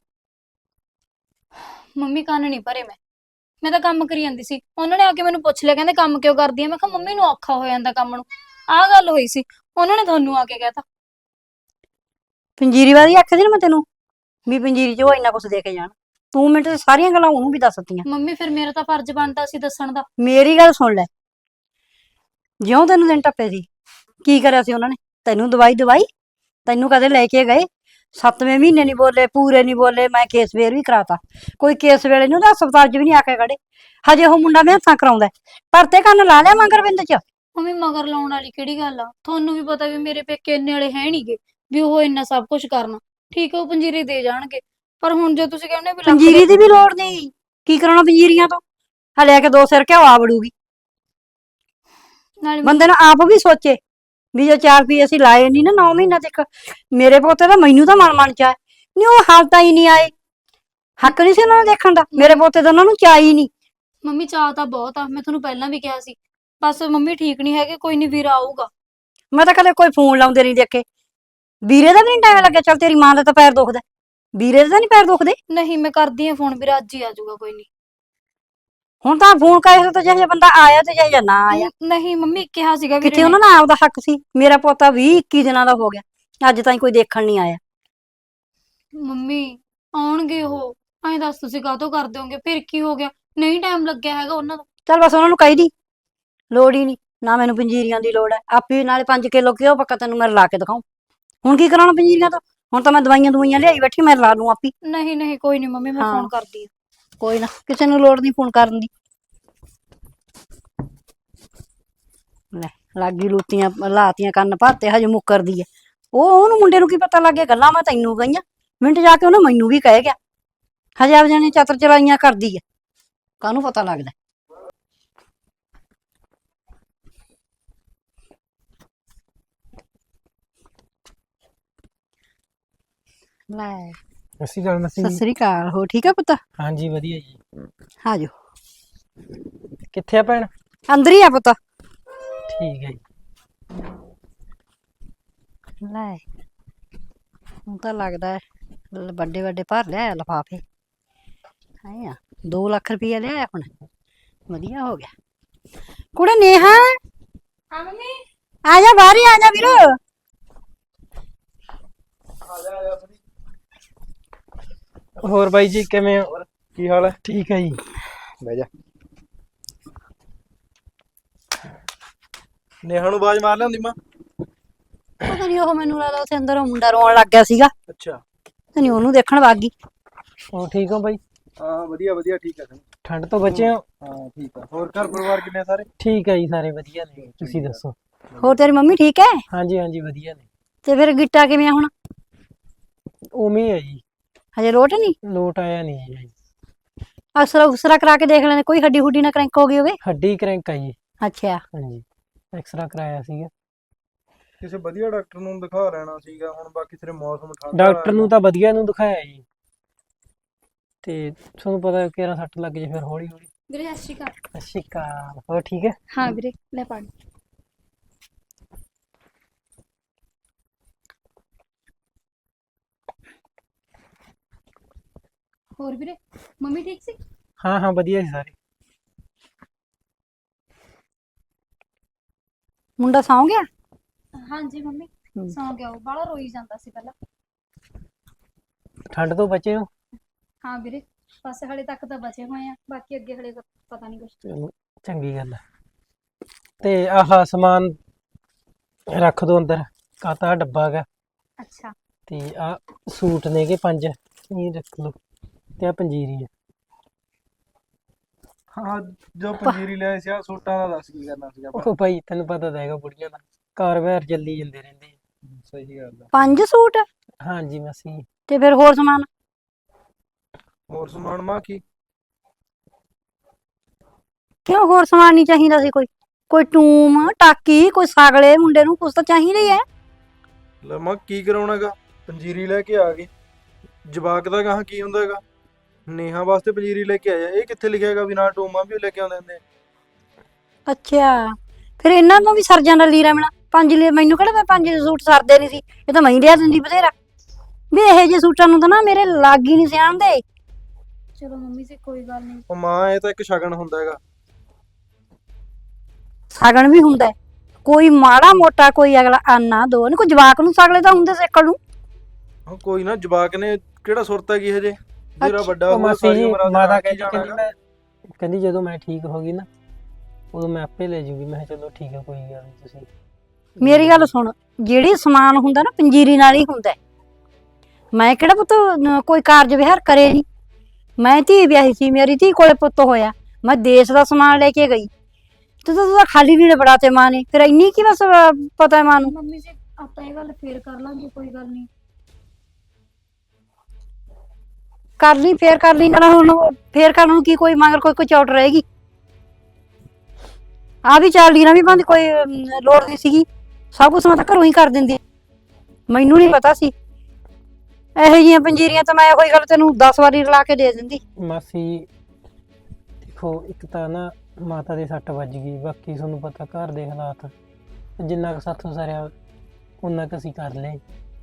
ਮੰਮੀ ਕੰਨ ਨਹੀਂ ਭਰੇ, ਮੈਂ ਮੈਂ ਤਾਂ ਕੰਮ ਕਰੀ ਜਾਂਦੀ ਸੀ। ਉਹਨਾਂ ਨੇ ਆ ਕੇ ਮੈਨੂੰ ਪੁੱਛ ਲਿਆ, ਕਹਿੰਦੇ ਕੰਮ ਕਿਉਂ ਕਰਦੀ ਆ? ਮੈਂ ਕਿਹਾ ਮੰਮੀ ਨੂੰ ਔਖਾ ਹੋ ਜਾਂਦਾ ਕੰਮ ਨੂੰ, ਆਹ ਗੱਲ ਹੋਈ ਸੀ। ਉਹਨਾਂ ਨੇ ਤੁਹਾਨੂੰ ਆ ਕੇ ਕਹਿਤਾ ਪੰਜੀਰੀ ਵਾਲੀ ਆਖਿਆ ਸੀ ਨਾ ਮੈਂ ਤੈਨੂੰ ਵੀ ਪੰਜੀਰੀ ਚ ਉਹ ਇੰਨਾ ਕੁਛ ਦੇ ਕੇ ਜਾਣ। ਤੂੰ ਮਿੰਟ ਚ ਸਾਰੀਆਂ ਗੱਲਾਂ ਉਹਨੂੰ ਵੀ ਦੱਸਤੀਆਂ। ਮੰਮੀ ਫਿਰ ਮੇਰਾ ਤਾਂ ਫਰਜ਼ ਬਣਦਾ ਸੀ ਦੱਸਣ ਦਾ। ਮੇਰੀ ਗੱਲ ਸੁਣ ਲੈ, ਜਿਉਂ ਤੈਨੂੰ ਦਿਨ ਟੱਪੇ ਸੀ ਕੀ ਕਰਿਆ ਸੀ ਉਹਨਾਂ ਨੇ? ਤੈਨੂੰ ਦਵਾਈ ਦਵਾਈ ਤੈਨੂੰ ਕਦੇ ਲੈ ਕੇ ਗਏ? ਸੱਤਵੇਂ ਮਹੀਨੇ ਨਹੀਂ ਬੋਲੇ, ਪੂਰੇ ਨਹੀਂ ਬੋਲੇ। ਮੈਂ ਕੇਸ ਵੇਰ ਵੀ ਕਰਾਤਾ, ਕੋਈ ਕੇਸ ਵੇਲੇ ਨੂੰ ਤਾਂ ਹਸਪਤਾਲ ਚ ਵੀ ਨਹੀਂ ਆ ਕੇ ਖੜੇ। ਹਜੇ ਉਹ ਮੁੰਡਾ ਮਿਹਨਤਾਂ ਕਰਾਉਂਦਾ, ਪਰਤੇ ਕੰਨ ਲਾ ਲਿਆ ਮਗਰਬਿੰਦ ਚ। ਮੰਮੀ ਮਗਰ ਲਾਉਣ ਵਾਲੀ ਕਿਹੜੀ ਗੱਲ ਆ? ਤੁਹਾਨੂੰ ਵੀ ਪਤਾ ਵੀ ਮੇਰੇ ਪੇਕੇ ਇੰਨੇ ਵਾਲੇ ਹੈ ਨਹੀਂਗੇ ਵੀ ਉਹ ਇੰਨਾ ਸਭ ਕੁਝ ਕਰਨਾ। ਠੀਕ ਹੈ ਉਹ ਪੰਜੀਰੀ ਦੇ ਜਾਣਗੇ, ਪਰ ਹੁਣ ਜੇ ਤੁਸੀਂ ਕਹਿੰਦੇ ਵੀ ਲੱਖ ਪੰਜੀਰੀ ਦੀ ਵੀ ਲੋੜ ਨਹੀਂ, ਕੀ ਕਰਾਉਣਾ ਪੰਜੀਰੀਆਂ ਤੋਂ? ਆ ਲੈ ਕੇ ਦੋ ਸਿਰ ਘਿਓ ਆ ਵੜੂਗੀ। ਨਾਲੇ ਬੰਦੇ ਨੂੰ ਆਪ ਵੀ ਸੋਚੇ ਵੀ ਜੋ ਚਾਰ ਰੁਪਏ ਅਸੀਂ ਲਾਏ ਨਹੀਂ ਨਾ ਨੌ ਮਹੀਨਾ ਤੱਕ, ਮੇਰੇ ਪੋਤੇ ਦਾ ਮੈਨੂੰ ਤਾਂ ਮਨ ਮਨ ਚ ਆਏ ਨਹੀਂ, ਉਹ ਹਾਲ ਤਾਂ ਹੀ ਨਹੀਂ ਆਏ। ਹੱਕ ਨਹੀਂ ਸੀ ਉਹਨਾਂ ਨੂੰ ਦੇਖਣ ਦਾ, ਮੇਰੇ ਪੋਤੇ ਦਾ ਉਹਨਾਂ ਨੂੰ ਚਾਅ ਹੀ ਨਹੀਂ। ਮੰਮੀ ਚਾਹ ਤਾਂ ਬਹੁਤ ਆ, ਮੈਂ ਤੁਹਾਨੂੰ ਪਹਿਲਾਂ ਵੀ ਕਿਹਾ ਸੀ। ਬਸ ਮੰਮੀ ਠੀਕ ਨਹੀਂ ਹੈਗੇ, ਕੋਈ ਨਹੀਂ ਵੀਰਾ ਆਊਗਾ। ਮੈਂ ਤਾਂ ਕਦੇ ਕੋਈ ਫੋਨ ਲਾਉਂਦੇ ਨਹੀਂ ਦੇਖੇ। ਵੀਰੇ ਦਾ ਵੀ ਨਹੀਂ ਟਾਈਮ ਲੱਗਿਆ? ਚੱਲ ਤੇਰੀ ਮਾਂ ਦਾ ਤਾਂ ਪੈਰ ਦੁਖਦਾ, ਵੀਰੇ ਦੇ ਤਾਂ ਨਹੀਂ ਪੈਰ ਦੁਖਦੇ? ਨਹੀਂ ਮੈਂ ਕਰਦੀ ਆ ਫੋਨ, ਵੀਰਾ ਅੱਜ ਹੀ ਆ ਜਾਊਗਾ, ਕੋਈ ਨਹੀਂ। ਹੁਣ ਤਾਂ ਫੋਨ ਕਰੇ ਤਾਂ ਜਿਹੇ ਬੰਦਾ ਆਇਆ ਤੇ ਜਿਹੇ ਨਾ ਆਇਆ। ਨਹੀਂ ਮੰਮੀ ਕਿਹਾ ਸੀਗਾ ਵੀਰੇ ਕਿੱਥੇ ਉਹਨਾਂ ਦਾ ਆਪਦਾ ਹੱਕ ਸੀ? ਮੇਰਾ ਪੋਤਾ ਵੀਹ ਇੱਕੀ ਦਿਨਾਂ ਦਾ ਹੋ ਗਿਆ, ਅੱਜ ਤਾਈਂ ਕੋਈ ਦੇਖਣ ਨਹੀਂ ਆਇਆ। ਮੰਮੀ ਆਉਣਗੇ ਉਹ, ਐਂ ਦੱਸ ਤੁਸੀਂ ਕਾਹਤੋਂ ਕਰ ਦਿਓਗੇ? ਫਿਰ ਕੀ ਹੋ ਗਿਆ? ਨਹੀਂ ਟਾਈਮ ਲੱਗਿਆ ਹੈਗਾ ਉਹਨਾਂ ਦਾ। ਚੱਲ ਬਸ ਉਹਨਾਂ ਨੂੰ ਕਹੀ ਦੀ ਲੋੜ ਹੀ ਨਹੀਂ, ਨਾ ਮੈਨੂੰ ਪੰਜੀਰੀਆਂ ਦੀ ਲੋੜ ਹੈ। ਆਪੇ ਨਾਲੇ ਪੰਜ ਕਿਲੋ ਘਿਓ ਪੱਕਾ ਤੈਨੂੰ ਮੈਂ ਲਾ ਕੇ ਦਿਖਾਉਂ। ਹੁਣ ਕੀ ਕਰਾਉਣਾ ਪੰਜੀਰੀਆਂ ਤੋਂ? ਹੁਣ ਤਾਂ ਮੈਂ ਦਵਾਈਆਂ ਦਵਾਈਆਂ ਲਿਆਈ ਬੈਠੀ, ਮੈਂ ਲਾ ਲੂੰ ਆਪੀ। ਨਹੀਂ ਨਹੀਂ ਕੋਈ ਨਹੀਂ ਮੰਮੀ, ਮੈਂ ਹਾਂ। ਫੋਨ ਕਰਦੀ ਆ। ਕੋਈ ਨਾ, ਕਿਸੇ ਨੂੰ ਲੋੜ ਨਹੀਂ ਫੋਨ ਕਰਨ ਦੀ। ਲੈ ਲਾਗੀ ਲੂਤੀਆਂ ਲਾਤੀਆਂ ਕੰਨ ਭਰਤੇ, ਹਜੇ ਮੁੱਕਰਦੀ ਐ ਉਹ। ਉਹਨੂੰ ਮੁੰਡੇ ਨੂੰ ਕੀ ਪਤਾ ਲੱਗ ਗਿਆ? ਗੱਲਾਂ ਮੈਂ ਤੈਨੂੰ ਕਹੀਆਂ, ਮਿੰਟ ਜਾ ਕੇ ਉਹਨੇ ਮੈਨੂੰ ਵੀ ਕਹਿ ਗਿਆ। ਹਜੇ ਆਪ ਜਾਣੇ ਚਤਰ ਚਲਾਈਆਂ ਕਰਦੀ ਐ, ਕਾਹਨੂੰ ਪਤਾ ਲੱਗਦਾ? ਲੈ ਅਸੀਂ ਗੱਲ ਮਸੀ ਸਤਿ ਸ੍ਰੀ ਅਕਾਲ, ਹੋ ਠੀਕ ਆ ਪੁੱਤ? ਹਾਂਜੀ ਵਧੀਆ ਜੀ। ਆ ਜਾਓ, ਕਿੱਥੇ ਆ ਭੈਣ? ਅੰਦਰ ਹੀ ਆ ਪੁੱਤ। ਠੀਕ ਹੈ ਜੀ। ਲੈ ਹੁਣ ਤਾਂ ਲੱਗਦਾ ਹੈ ਵੱਡੇ ਵੱਡੇ ਭਰ ਲਿਆ ਲਿਫਾਫੇ। ਹੈ ਆ ਦੋ ਲੱਖ ਰੁਪਇਆ ਲਿਆ ਹੁਣ, ਵਧੀਆ ਹੋ ਗਿਆ। ਕੁੜੇ ਨੇਹਾ ਹਾਂ ਮੰਮੀ। ਆ ਜਾ ਬਾਹਰ ਹੀ ਆ ਜਾ ਵੀਰੋ। ਹੋਰ ਬਾਈ ਜੀ ਕਿਵੇਂ ਹੋ? ਕੀ ਹਾਲ ਹੈ? ਠੀਕ ਹੈ ਜੀ। ਬਹਿ ਜਾ। ਨੇਹਾ ਨੂੰ ਆਵਾਜ਼ ਮਾਰ ਲਿਆਉਂਦੀ ਮਾਂ। ਪਤਾ ਨਹੀਂ ਉਹ ਮੈਨੂੰ ਲੱਗਦਾ ਉੱਥੇ ਅੰਦਰ ਉਹ ਮੁੰਡਾ ਰੋਣ ਲੱਗ ਗਿਆ ਸੀਗਾ, ਅੱਛਾ, ਤੇ ਨਹੀਂ ਉਹਨੂੰ ਦੇਖਣ ਵਗ ਗਈ। ਹੋਰ ਠੀਕ ਹੋ ਬਾਈ? ਹਾਂ ਵਧੀਆ ਵਧੀਆ ਠੀਕ ਹੈ ਸਨੀ। ਠੰਡ ਤੋਂ ਬਚੇ ਹੋ? ਹਾਂ ਠੀਕ ਆ। ਹੋਰ ਘਰ ਪਰਿਵਾਰ ਕਿੰਨੇ ਸਾਰੇ? ਠੀਕ ਹੈ ਜੀ, ਸਾਰੇ ਵਧੀਆ ਨੇ। ਤੁਸੀਂ ਦੱਸੋ? ਹੋਰ ਤੇਰੀ ਮੰਮੀ ਠੀਕ ਹੈ? ਹਾਂਜੀ ਹਾਂਜੀ ਵਧੀਆ ਨੇ। ਤੇ ਫਿਰ ਗਿੱਟਾ ਕਿਵੇਂ ਆ ਹੁਣ? ਉਵੇਂ ਹੀ ਹੈ ਜੀ, ਹਜੇ ਲੋਟ ਨਹੀਂ? ਲੋਟ ਆਇਆ ਨਹੀਂ ਜੀ। ਅਸਰਾ ਉਸਰਾ ਕਰਾ ਕੇ ਦੇਖ ਲੈਣੇ, ਕੋਈ ਹੱਡੀ ਹੁੱਡੀ ਨਾ ਕਰੈਂਕ ਹੋ ਗਈ ਹੋਵੇ। ਹੱਡੀ ਕਰੈਂਕ ਆ ਜੀ। ਅੱਛਾ। ਹਾਂਜੀ, ਐਕਸਰਾ ਕਰਾਇਆ ਸੀਗਾ। ਕਿਸੇ ਵਧੀਆ ਡਾਕਟਰ ਨੂੰ ਦਿਖਾ ਲੈਣਾ ਸੀਗਾ ਹੁਣ, ਬਾਕੀ ਤੇਰੇ ਮੌਸਮ ਠੰਡਾ ਡਾਕਟਰ ਨੂੰ ਤਾਂ ਵਧੀਆ ਨੂੰ ਦਿਖਾਇਆ ਜੀ, ਤੇ ਤੁਹਾਨੂੰ ਪਤਾ ਕਿਹੜਾ ਸੱਟ ਲੱਗ ਜੇ ਫਿਰ ਹੌਲੀ ਹੌਲੀ। ਵੀਰੇ ਸਤਿ ਸ਼੍ਰੀ ਅਕਾਲ। ਸਤਿ ਸ਼੍ਰੀ ਅਕਾਲ। ਹੋਰ ਠੀਕ ਹੈ? ਹਾਂ ਵੀਰੇ ਲੈ ਪਾਣੀ। ਹੋਰ ਵੀਰੇ ਮੰਮੀ ਠੀਕ ਸੀ? ਹਾਂ ਹਾਂ ਵਧੀਆ ਸੀ ਸਾਰੇ। ਮੁੰਡਾ ਸੌਂ ਗਿਆ? ਹਾਂਜੀ ਮੰਮੀ ਸੌਂ ਗਿਆ, ਉਹ ਬਾਹਲਾ ਰੋਈ ਜਾਂਦਾ ਸੀ ਪਹਿਲਾਂ। ਠੰਡ ਤੋਂ ਬਚੇ ਹੋ? ਹਾਂ ਵੀਰੇ ਬਸ ਹਲੇ ਤੱਕ ਤਾਂ ਬਚੇ ਹੋਏ ਆ, ਬਾਕੀ ਅੱਗੇ ਹਲੇ ਪਤਾ ਨਹੀਂ ਕੁਛ। ਚਲੋ ਚੰਗੀ ਗੱਲ ਹੈ। ਤੇ ਆਹ ਸਮਾਨ ਰੱਖ ਦੋ ਅੰਦਰ, ਕਾਤਾ ਡੱਬਾ ਗਾ, ਅੱਛਾ। ਤੇ ਆ ਸੂਟ ਨੇ ਕਿ ਪੰਜ ਇਹ ਰੱਖ ਲਓ, ਤੇ ਆ ਪੰਜੀਰੀ ਹੈ। ਹਾਂ ਜੋ ਪੰਜੀਰੀ ਲਿਆਏ ਸੀ ਆ ਸੂਟਾਂ ਦਾ ਦੱਸ ਕੀ ਕਰਨਾ ਸੀਗਾ? ਉਹ ਭਾਈ ਤੈਨੂੰ ਪਤਾ ਤਾਂ ਹੈਗਾ ਬੁੜੀਆਂ ਦਾ ਕਾਰ ਵਿਹਾਰ ਚੱਲੀ ਜਾਂਦੇ ਰਹਿੰਦੇ ਆ। ਸਹੀ ਗੱਲ ਆ। ਪੰਜ ਸੂਟ? ਹਾਂਜੀ ਮਾਸੀ। ਤੇ ਫਿਰ ਹੋਰ ਸਮਾਨ? ਹੋਰ ਸਮਾਨ ਮਾ ਕੀ? ਕਿਉਂ ਹੋਰ ਸਮਾਨ ਨਹੀਂ ਚਾਹੀਦਾ ਸੀ? ਕੋਈ ਕੋਈ ਟੂਮ ਟਾਕੀ, ਕੋਈ ਸਾਗਲੇ, ਮੁੰਡੇ ਨੂੰ ਕੁਛ ਤਾਂ ਚਾਹੀਦਾ ਹੀ ਹੈ। ਲੈ ਮਾਂ ਕੀ ਕਰਾਉਣਾਗਾ? ਪੰਜੀਰੀ ਲੈ ਕੇ ਆ ਗਏ, ਜਵਾਕ ਦਾ ਗਾਹਾਂ ਕੀ ਹੁੰਦਾ ਹੈਗਾ? ਨੇਹਾ ਵਾਸਤੇ ਪੰਜੀਰੀ ਲੈ ਕੇ ਆਇਆ, ਇਹ ਕਿੱਥੇ ਲਿਖਿਆ ਹੈਗਾ ਵੀ ਨਾਲ ਟੂਮਾਂ ਵੀ ਲੈ ਕੇ ਆਉਂਦੇ ਹੁੰਦੇ? ਅੱਛਾ, ਫਿਰ ਇਹਨਾਂ ਨੂੰ ਵੀ ਸਰ ਜਾਂਦਾ ਲੀਰਾ ਮੇਣਾ। ਪੰਜ ਲੀ ਮੈਨੂੰ ਕਿਹੜਾ ਪੰਜ ਸੂਟ ਸਰਦੇ ਨਹੀਂ ਸੀ, ਇਹ ਤਾਂ ਮੈਂ ਹੀ ਲਿਆ ਦਿੰਦੀ ਬਥੇਰਾ। ਵੀ ਇਹੋ ਜਿਹੇ ਸੂਟਾਂ ਨੂੰ ਤਾਂ ਨਾ ਮੇਰੇ ਲੱਗ ਹੀ ਨਹੀਂ ਸਿਆਣਦੇ। ਚਲੋ ਮੰਮੀ ਜੀ ਕੋਈ ਗੱਲ ਨਹੀਂ। ਉਹ ਮਾਂ ਇਹ ਤਾਂ ਇੱਕ ਸ਼ਗਨ ਹੁੰਦਾ ਹੈਗਾ। ਸਾਗਣ ਵੀ ਹੁੰਦਾ, ਕੋਈ ਮਾੜਾ ਮੋਟਾ ਕੋਈ ਅਗਲਾ ਆਨਾ ਦੋ ਨੀ, ਕੋਈ ਜਵਾਕ ਨੂੰ ਸਾਗਲੇ ਤਾਂ ਹੁੰਦੇ ਸੇਕਣ ਨੂੰ। ਹਾਂ ਕੋਈ ਨਾ, ਜਵਾਕ ਨੇ ਕਿਹੜਾ ਸੁਰਤ ਹੈਗੀ ਹਜੇ, ਜਿਹੜਾ ਵੱਡਾ ਉਹ ਹੋਊਗਾ ਮਾਸੀ ਸਾਰੀ ਜੀ ਉਮਰ ਮਾਤਾ ਆਪਦੇ ਕਹਿੰਦੀ ਨਾਲ ਕਹਿੰਦੀ ਜਾਣਾ ਮੈਂ ਕਹਿੰਦੀ ਜਦੋਂ ਮੈਂ ਠੀਕ ਹੋ ਗਈ ਨਾ ਉਦੋਂ ਮੈਂ ਆਪੇ ਲੈ ਜੂਗੀ। ਮੈਂ ਕਿਹਾ ਚਲੋ ਠੀਕ ਹੈ ਕੋਈ ਗੱਲ ਨਹੀਂ। ਤੁਸੀਂ ਮੇਰੀ ਗੱਲ ਸੁਣ, ਜਿਹੜੀ ਸਮਾਨ ਹੁੰਦਾ ਨਾ ਪੰਜੀਰੀ ਨਾਲ ਹੀ ਹੁੰਦਾ। ਮੈਂ ਕਿਹੜਾ ਪੁੱਤ ਨ- ਕੋਈ ਕਾਰਜ ਵਿਹਾਰ ਕਰੇ ਨਹੀਂ। ਮੈਂ ਧੀ ਵਿਆਹੀ ਸੀ, ਮੇਰੀ ਧੀ ਕੋਲੇ ਪੁੱਤ ਹੋਇਆ, ਮੈਂ ਦੇਸ਼ ਦਾ ਸਮਾਨ ਲੈ ਕੇ ਗਈ, ਤੇ ਤੂੰ ਤਾਂ ਖਾਲੀ ਲੀੜੇ ਬੜਾ ਤੇ ਮਾਂ ਨੇ, ਫਿਰ ਇੰਨੀ ਕੀ ਬਸ ਅਹ, ਪਤਾ ਹੈ ਮਾਂ ਨੂੰ। ਮੰਮੀ ਜੀ ਆਪਾਂ ਇਹ ਗੱਲ ਫੇਰ ਕਰ ਲਾਂਗੇ, ਕੋਈ ਗੱਲ ਨਹੀਂ। ਕਰ ਲਈ ਫੇਰ ਕਰ ਲਈ, ਨਾਲ ਹੁਣ ਫੇਰ ਕਰਨ ਨੂੰ ਕੀ, ਕੋਈ ਮਗਰ ਕੋਈ ਕੋਈ ਚੌਟ ਰਹੇਗੀ? ਆ ਵੀ ਚਾਰ ਲੀਰਾਂ ਵੀ ਬੰਦ, ਕੋਈ ਅਮ, ਲੋੜ ਨਹੀਂ ਸੀਗੀ। ਸਭ ਕੁਛ ਮੈਂ ਤਾਂ ਘਰੋਂ ਹੀ ਕਰ ਦਿੰਦੀ, ਮੈਨੂੰ ਨਹੀਂ ਪਤਾ ਸੀ। ਇਹੋ ਜਿਹੀਆਂ ਪੰਜੀਰੀਆਂ ਤਾਂ ਮੈਂ ਉਹੀ ਗੱਲ ਤੈਨੂੰ ਦਸ ਵਾਰੀ ਰਲਾ ਕੇ ਦੇ ਦਿੰਦੀ। ਮਾਸੀ ਦੇਖੋ, ਇੱਕ ਤਾਂ ਨਾ ਮਾਤਾ ਦੇ ਸੱਟ ਵੱਜ ਗਈ, ਬਾਕੀ ਤੁਹਾਨੂੰ ਪਤਾ ਘਰ ਦੇ ਹਾਲਾਤ, ਜਿੰਨਾ ਕੁ ਸਾਥੋਂ ਸਰਿਆ ਉਨਾ ਕੁ ਅਸੀਂ ਕਰ ਲਏ।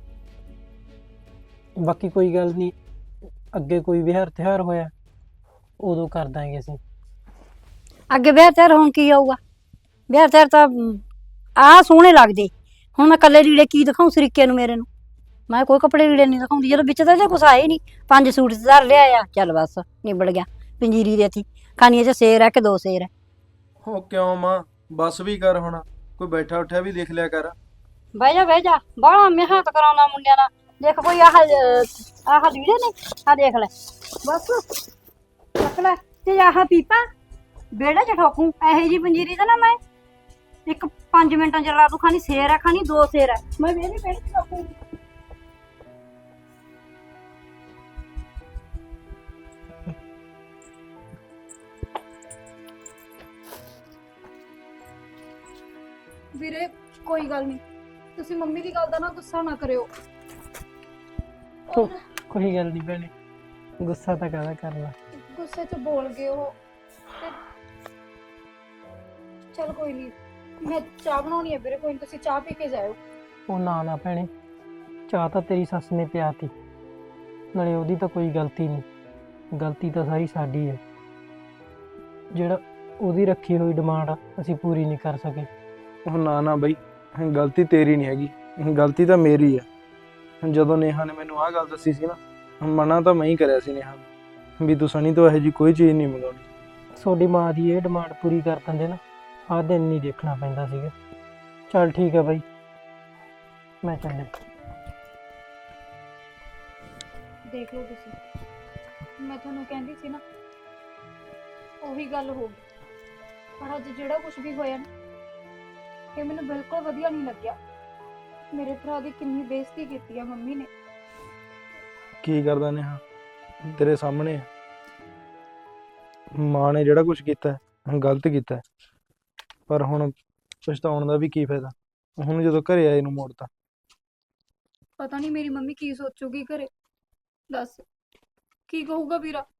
ਬਾਕੀ ਕੋਈ ਗੱਲ ਨਹੀਂ, ਅੱਗੇ ਕੋਈ ਵਿਹਾਰ ਤਿਉਹਾਰ ਹੋਇਆ ਉਦੋਂ ਕਰ ਦਾਂਗੇ ਅਸੀਂ। ਅੱਗੇ ਵਿਆਹ ਤਿਆਰ ਹੋਣ ਕੀ ਆਊਗਾ? ਵਿਆਹ ਤਿਆਰ ਤਾਂ ਆਹ ਸੋਹਣੇ ਲੱਗਦੇ। ਹੁਣ ਮੈਂ ਕੱਲੇ ਲੀੜੇ ਕੀ ਦਿਖਾਉਂ ਸਰੀਕੇ ਨੂੰ ਮੇਰੇ ਨੂੰ? ਮੈਂ ਕੋਈ ਕੱਪੜੇ ਲੀੜੇ ਨਹੀਂ ਦਿਖਾਉਂਦੀ, ਜਦੋਂ ਵਿੱਚ ਤਾਂ ਜੇ ਕੁਛ ਆਏ ਨਹੀਂ। ਪੰਜ ਸੂਟ ਧਰ ਲਿਆ, ਚੱਲ ਬਸ ਨਿਬੜ ਗਿਆ। ਪੰਜੀਰੀ ਦੇਤੀ, ਖਾਣੀਆਂ ਚ ਸੇਰ ਹੈ ਕਿ ਦੋ ਸੇਰ ਹੈ। ਉਹ ਕਿਉਂ ਮਾਂ, ਬਸ ਵੀ ਕਰ ਹੁਣ, ਕੋਈ ਬੈਠਾ ਉੱਠਿਆ ਵੀ ਦੇਖ ਲਿਆ ਕਰ। ਬਹਿ ਜਾ ਬਹਿ ਜਾ, ਬਾਹਲਾ ਮਿਹਨਤ ਕਰਾਉਂਦਾ ਮੁੰਡਿਆਂ ਦਾ। ਦੇਖ ਕੋਈ ਆਹ ਅਹ, ਆਹ ਲੀੜੇ ਨੇ, ਆਹ ਦੇਖ ਲੈ, ਬਸ ਚੱਕ ਲੈ। ਤੇ ਆਹ ਪੀਪਾ ਵਿਹੜੇ ਚ ਠੋਕੂ, ਇਹੋ ਜਿਹੀ ਪੰਜੀਰੀ ਤਾਂ ਨਾ ਮੈਂ ਇੱਕ ਪੰਜ ਮਿੰਟਾਂ ਚ ਲਾ ਦੂ। ਖਾਣੀ ਸੇਰ ਹੈ, ਖਾਣੀ ਦੋ ਸੇਰ ਹੈ, ਮੈਂ ਵਿਹੜੇ ਵਿਹੜੇ ਚ ਠੋਕੂ। ਵੀਰੇ ਕੋਈ ਗੱਲ ਨਹੀਂ, ਤੁਸੀਂ ਮੰਮੀ ਦੀ ਗੱਲ ਦਾ ਨਾ ਗੁੱਸਾ ਨਾ ਕਰਿਓ। ਕੋ- ਕੋਈ ਗੱਲ ਨਹੀਂ ਭੈਣੇ, ਗੁੱਸਾ ਤਾਂ ਕਾਹਦਾ ਕਰਨਾ। ਗੁੱਸੇ 'ਚ ਬੋਲ ਗਏ ਉਹ ਤੇ ਚਲ ਕੋਈ ਨਹੀਂ, ਮੈਂ ਚਾਹ ਬਣਾਉਣੀ ਹੈ ਵੀਰੇ, ਕੋਈ ਨਹੀਂ ਤੁਸੀਂ ਚਾਹ ਪੀ ਕੇ ਜਾਇਓ। ਉਹ ਨਾ ਨਾ ਭੈਣੇ, ਚਾਹ ਤਾਂ ਤੇਰੀ ਸੱਸ ਨੇ ਪਿਆਤੀ, ਨਾਲੇ ਉਹਦੀ ਤਾਂ ਕੋਈ ਗਲਤੀ ਨਹੀਂ, ਗਲਤੀ ਤਾਂ ਸਾਰੀ ਸਾਡੀ ਹੈ। ਜਿਹੜਾ ਉਹਦੀ ਰੱਖੀ ਹੋਈ ਡਿਮਾਂਡ ਅਸੀਂ ਪੂਰੀ ਨਹੀਂ ਕਰ ਸਕੇ। ਉਹ ਨਾ ਨਾ ਬਈ, ਗਲਤੀ ਤੇਰੀ ਨਹੀਂ ਹੈਗੀ, ਗਲਤੀ ਤਾਂ ਮੇਰੀ ਹੈ। ਜਦੋਂ ਨੇਹਾ ਨੇ ਮੈਨੂੰ ਆਹ ਗੱਲ ਦੱਸੀ ਸੀ ਨਾ, ਮਨਾ ਤਾਂ ਮੈਂ ਹੀ ਕਰਿਆ ਸੀ ਨੇਹਾ ਨੂੰ ਵੀ ਤੂੰ ਸਣੀ ਤੋਂ ਇਹੋ ਜਿਹੀ ਕੋਈ ਚੀਜ਼ ਨਹੀਂ ਮੰਗਾਉਣੀ। ਤੁਹਾਡੀ ਮਾਂ ਦੀ ਇਹ ਡਿਮਾਂਡ ਪੂਰੀ ਕਰ ਦਿੰਦੇ ਨਾ, ਆਹ ਦਿਨ ਨਹੀਂ ਦੇਖਣਾ ਪੈਂਦਾ ਸੀਗਾ। ਚੱਲ ਠੀਕ ਹੈ ਬਾਈ, ਮੈਂ ਚੱਲਿਆ। ਦੇਖ ਲਓ ਤੁਸੀਂ। ਮੈਂ ਤੁਹਾਨੂੰ ਕਹਿੰਦੀ ਸੀ ਨਾ, ਉਹੀ ਗੱਲ ਹੋ ਗਈ। ਪਰ ਅੱਜ ਜਿਹੜਾ ਕੁਝ ਵੀ ਹੋਇਆ ਨਾ, ਇਹ ਮੈਨੂੰ ਬਿਲਕੁਲ ਵਧੀਆ ਨਹੀਂ ਲੱਗਿਆ। ਮੇਰੇ ਭਰਾ ਦੀ ਕਿੰਨੀ ਬੇਇੱਜ਼ਤੀ ਕੀਤੀ ਆ ਮੰਮੀ ਨੇ। ਕੀ ਕਰਦਾ ਨੇਹਾ, ਤੇਰੇ ਸਾਹਮਣੇ ਆ। ਮਾਂ ਨੇ ਜਿਹੜਾ ਕੁਝ ਕੀਤਾ ਹੈ, ਗਲਤ ਕੀਤਾ ਹੈ। ਪਰ ਹੁਣ ਪਛਤਾਉਣ ਦਾ ਵੀ ਕੀ ਫਾਇਦਾ, ਹੁਣ ਜਦੋਂ ਘਰੇ ਆਏ ਨੂੰ ਮੋੜਤਾ। ਪਤਾ ਨਹੀਂ ਮੇਰੀ ਮੰਮੀ ਕੀ ਸੋਚੂਗੀ ਘਰੇ। ਦੱਸ ਕੀ ਕਹੂਗਾ ਵੀਰਾ?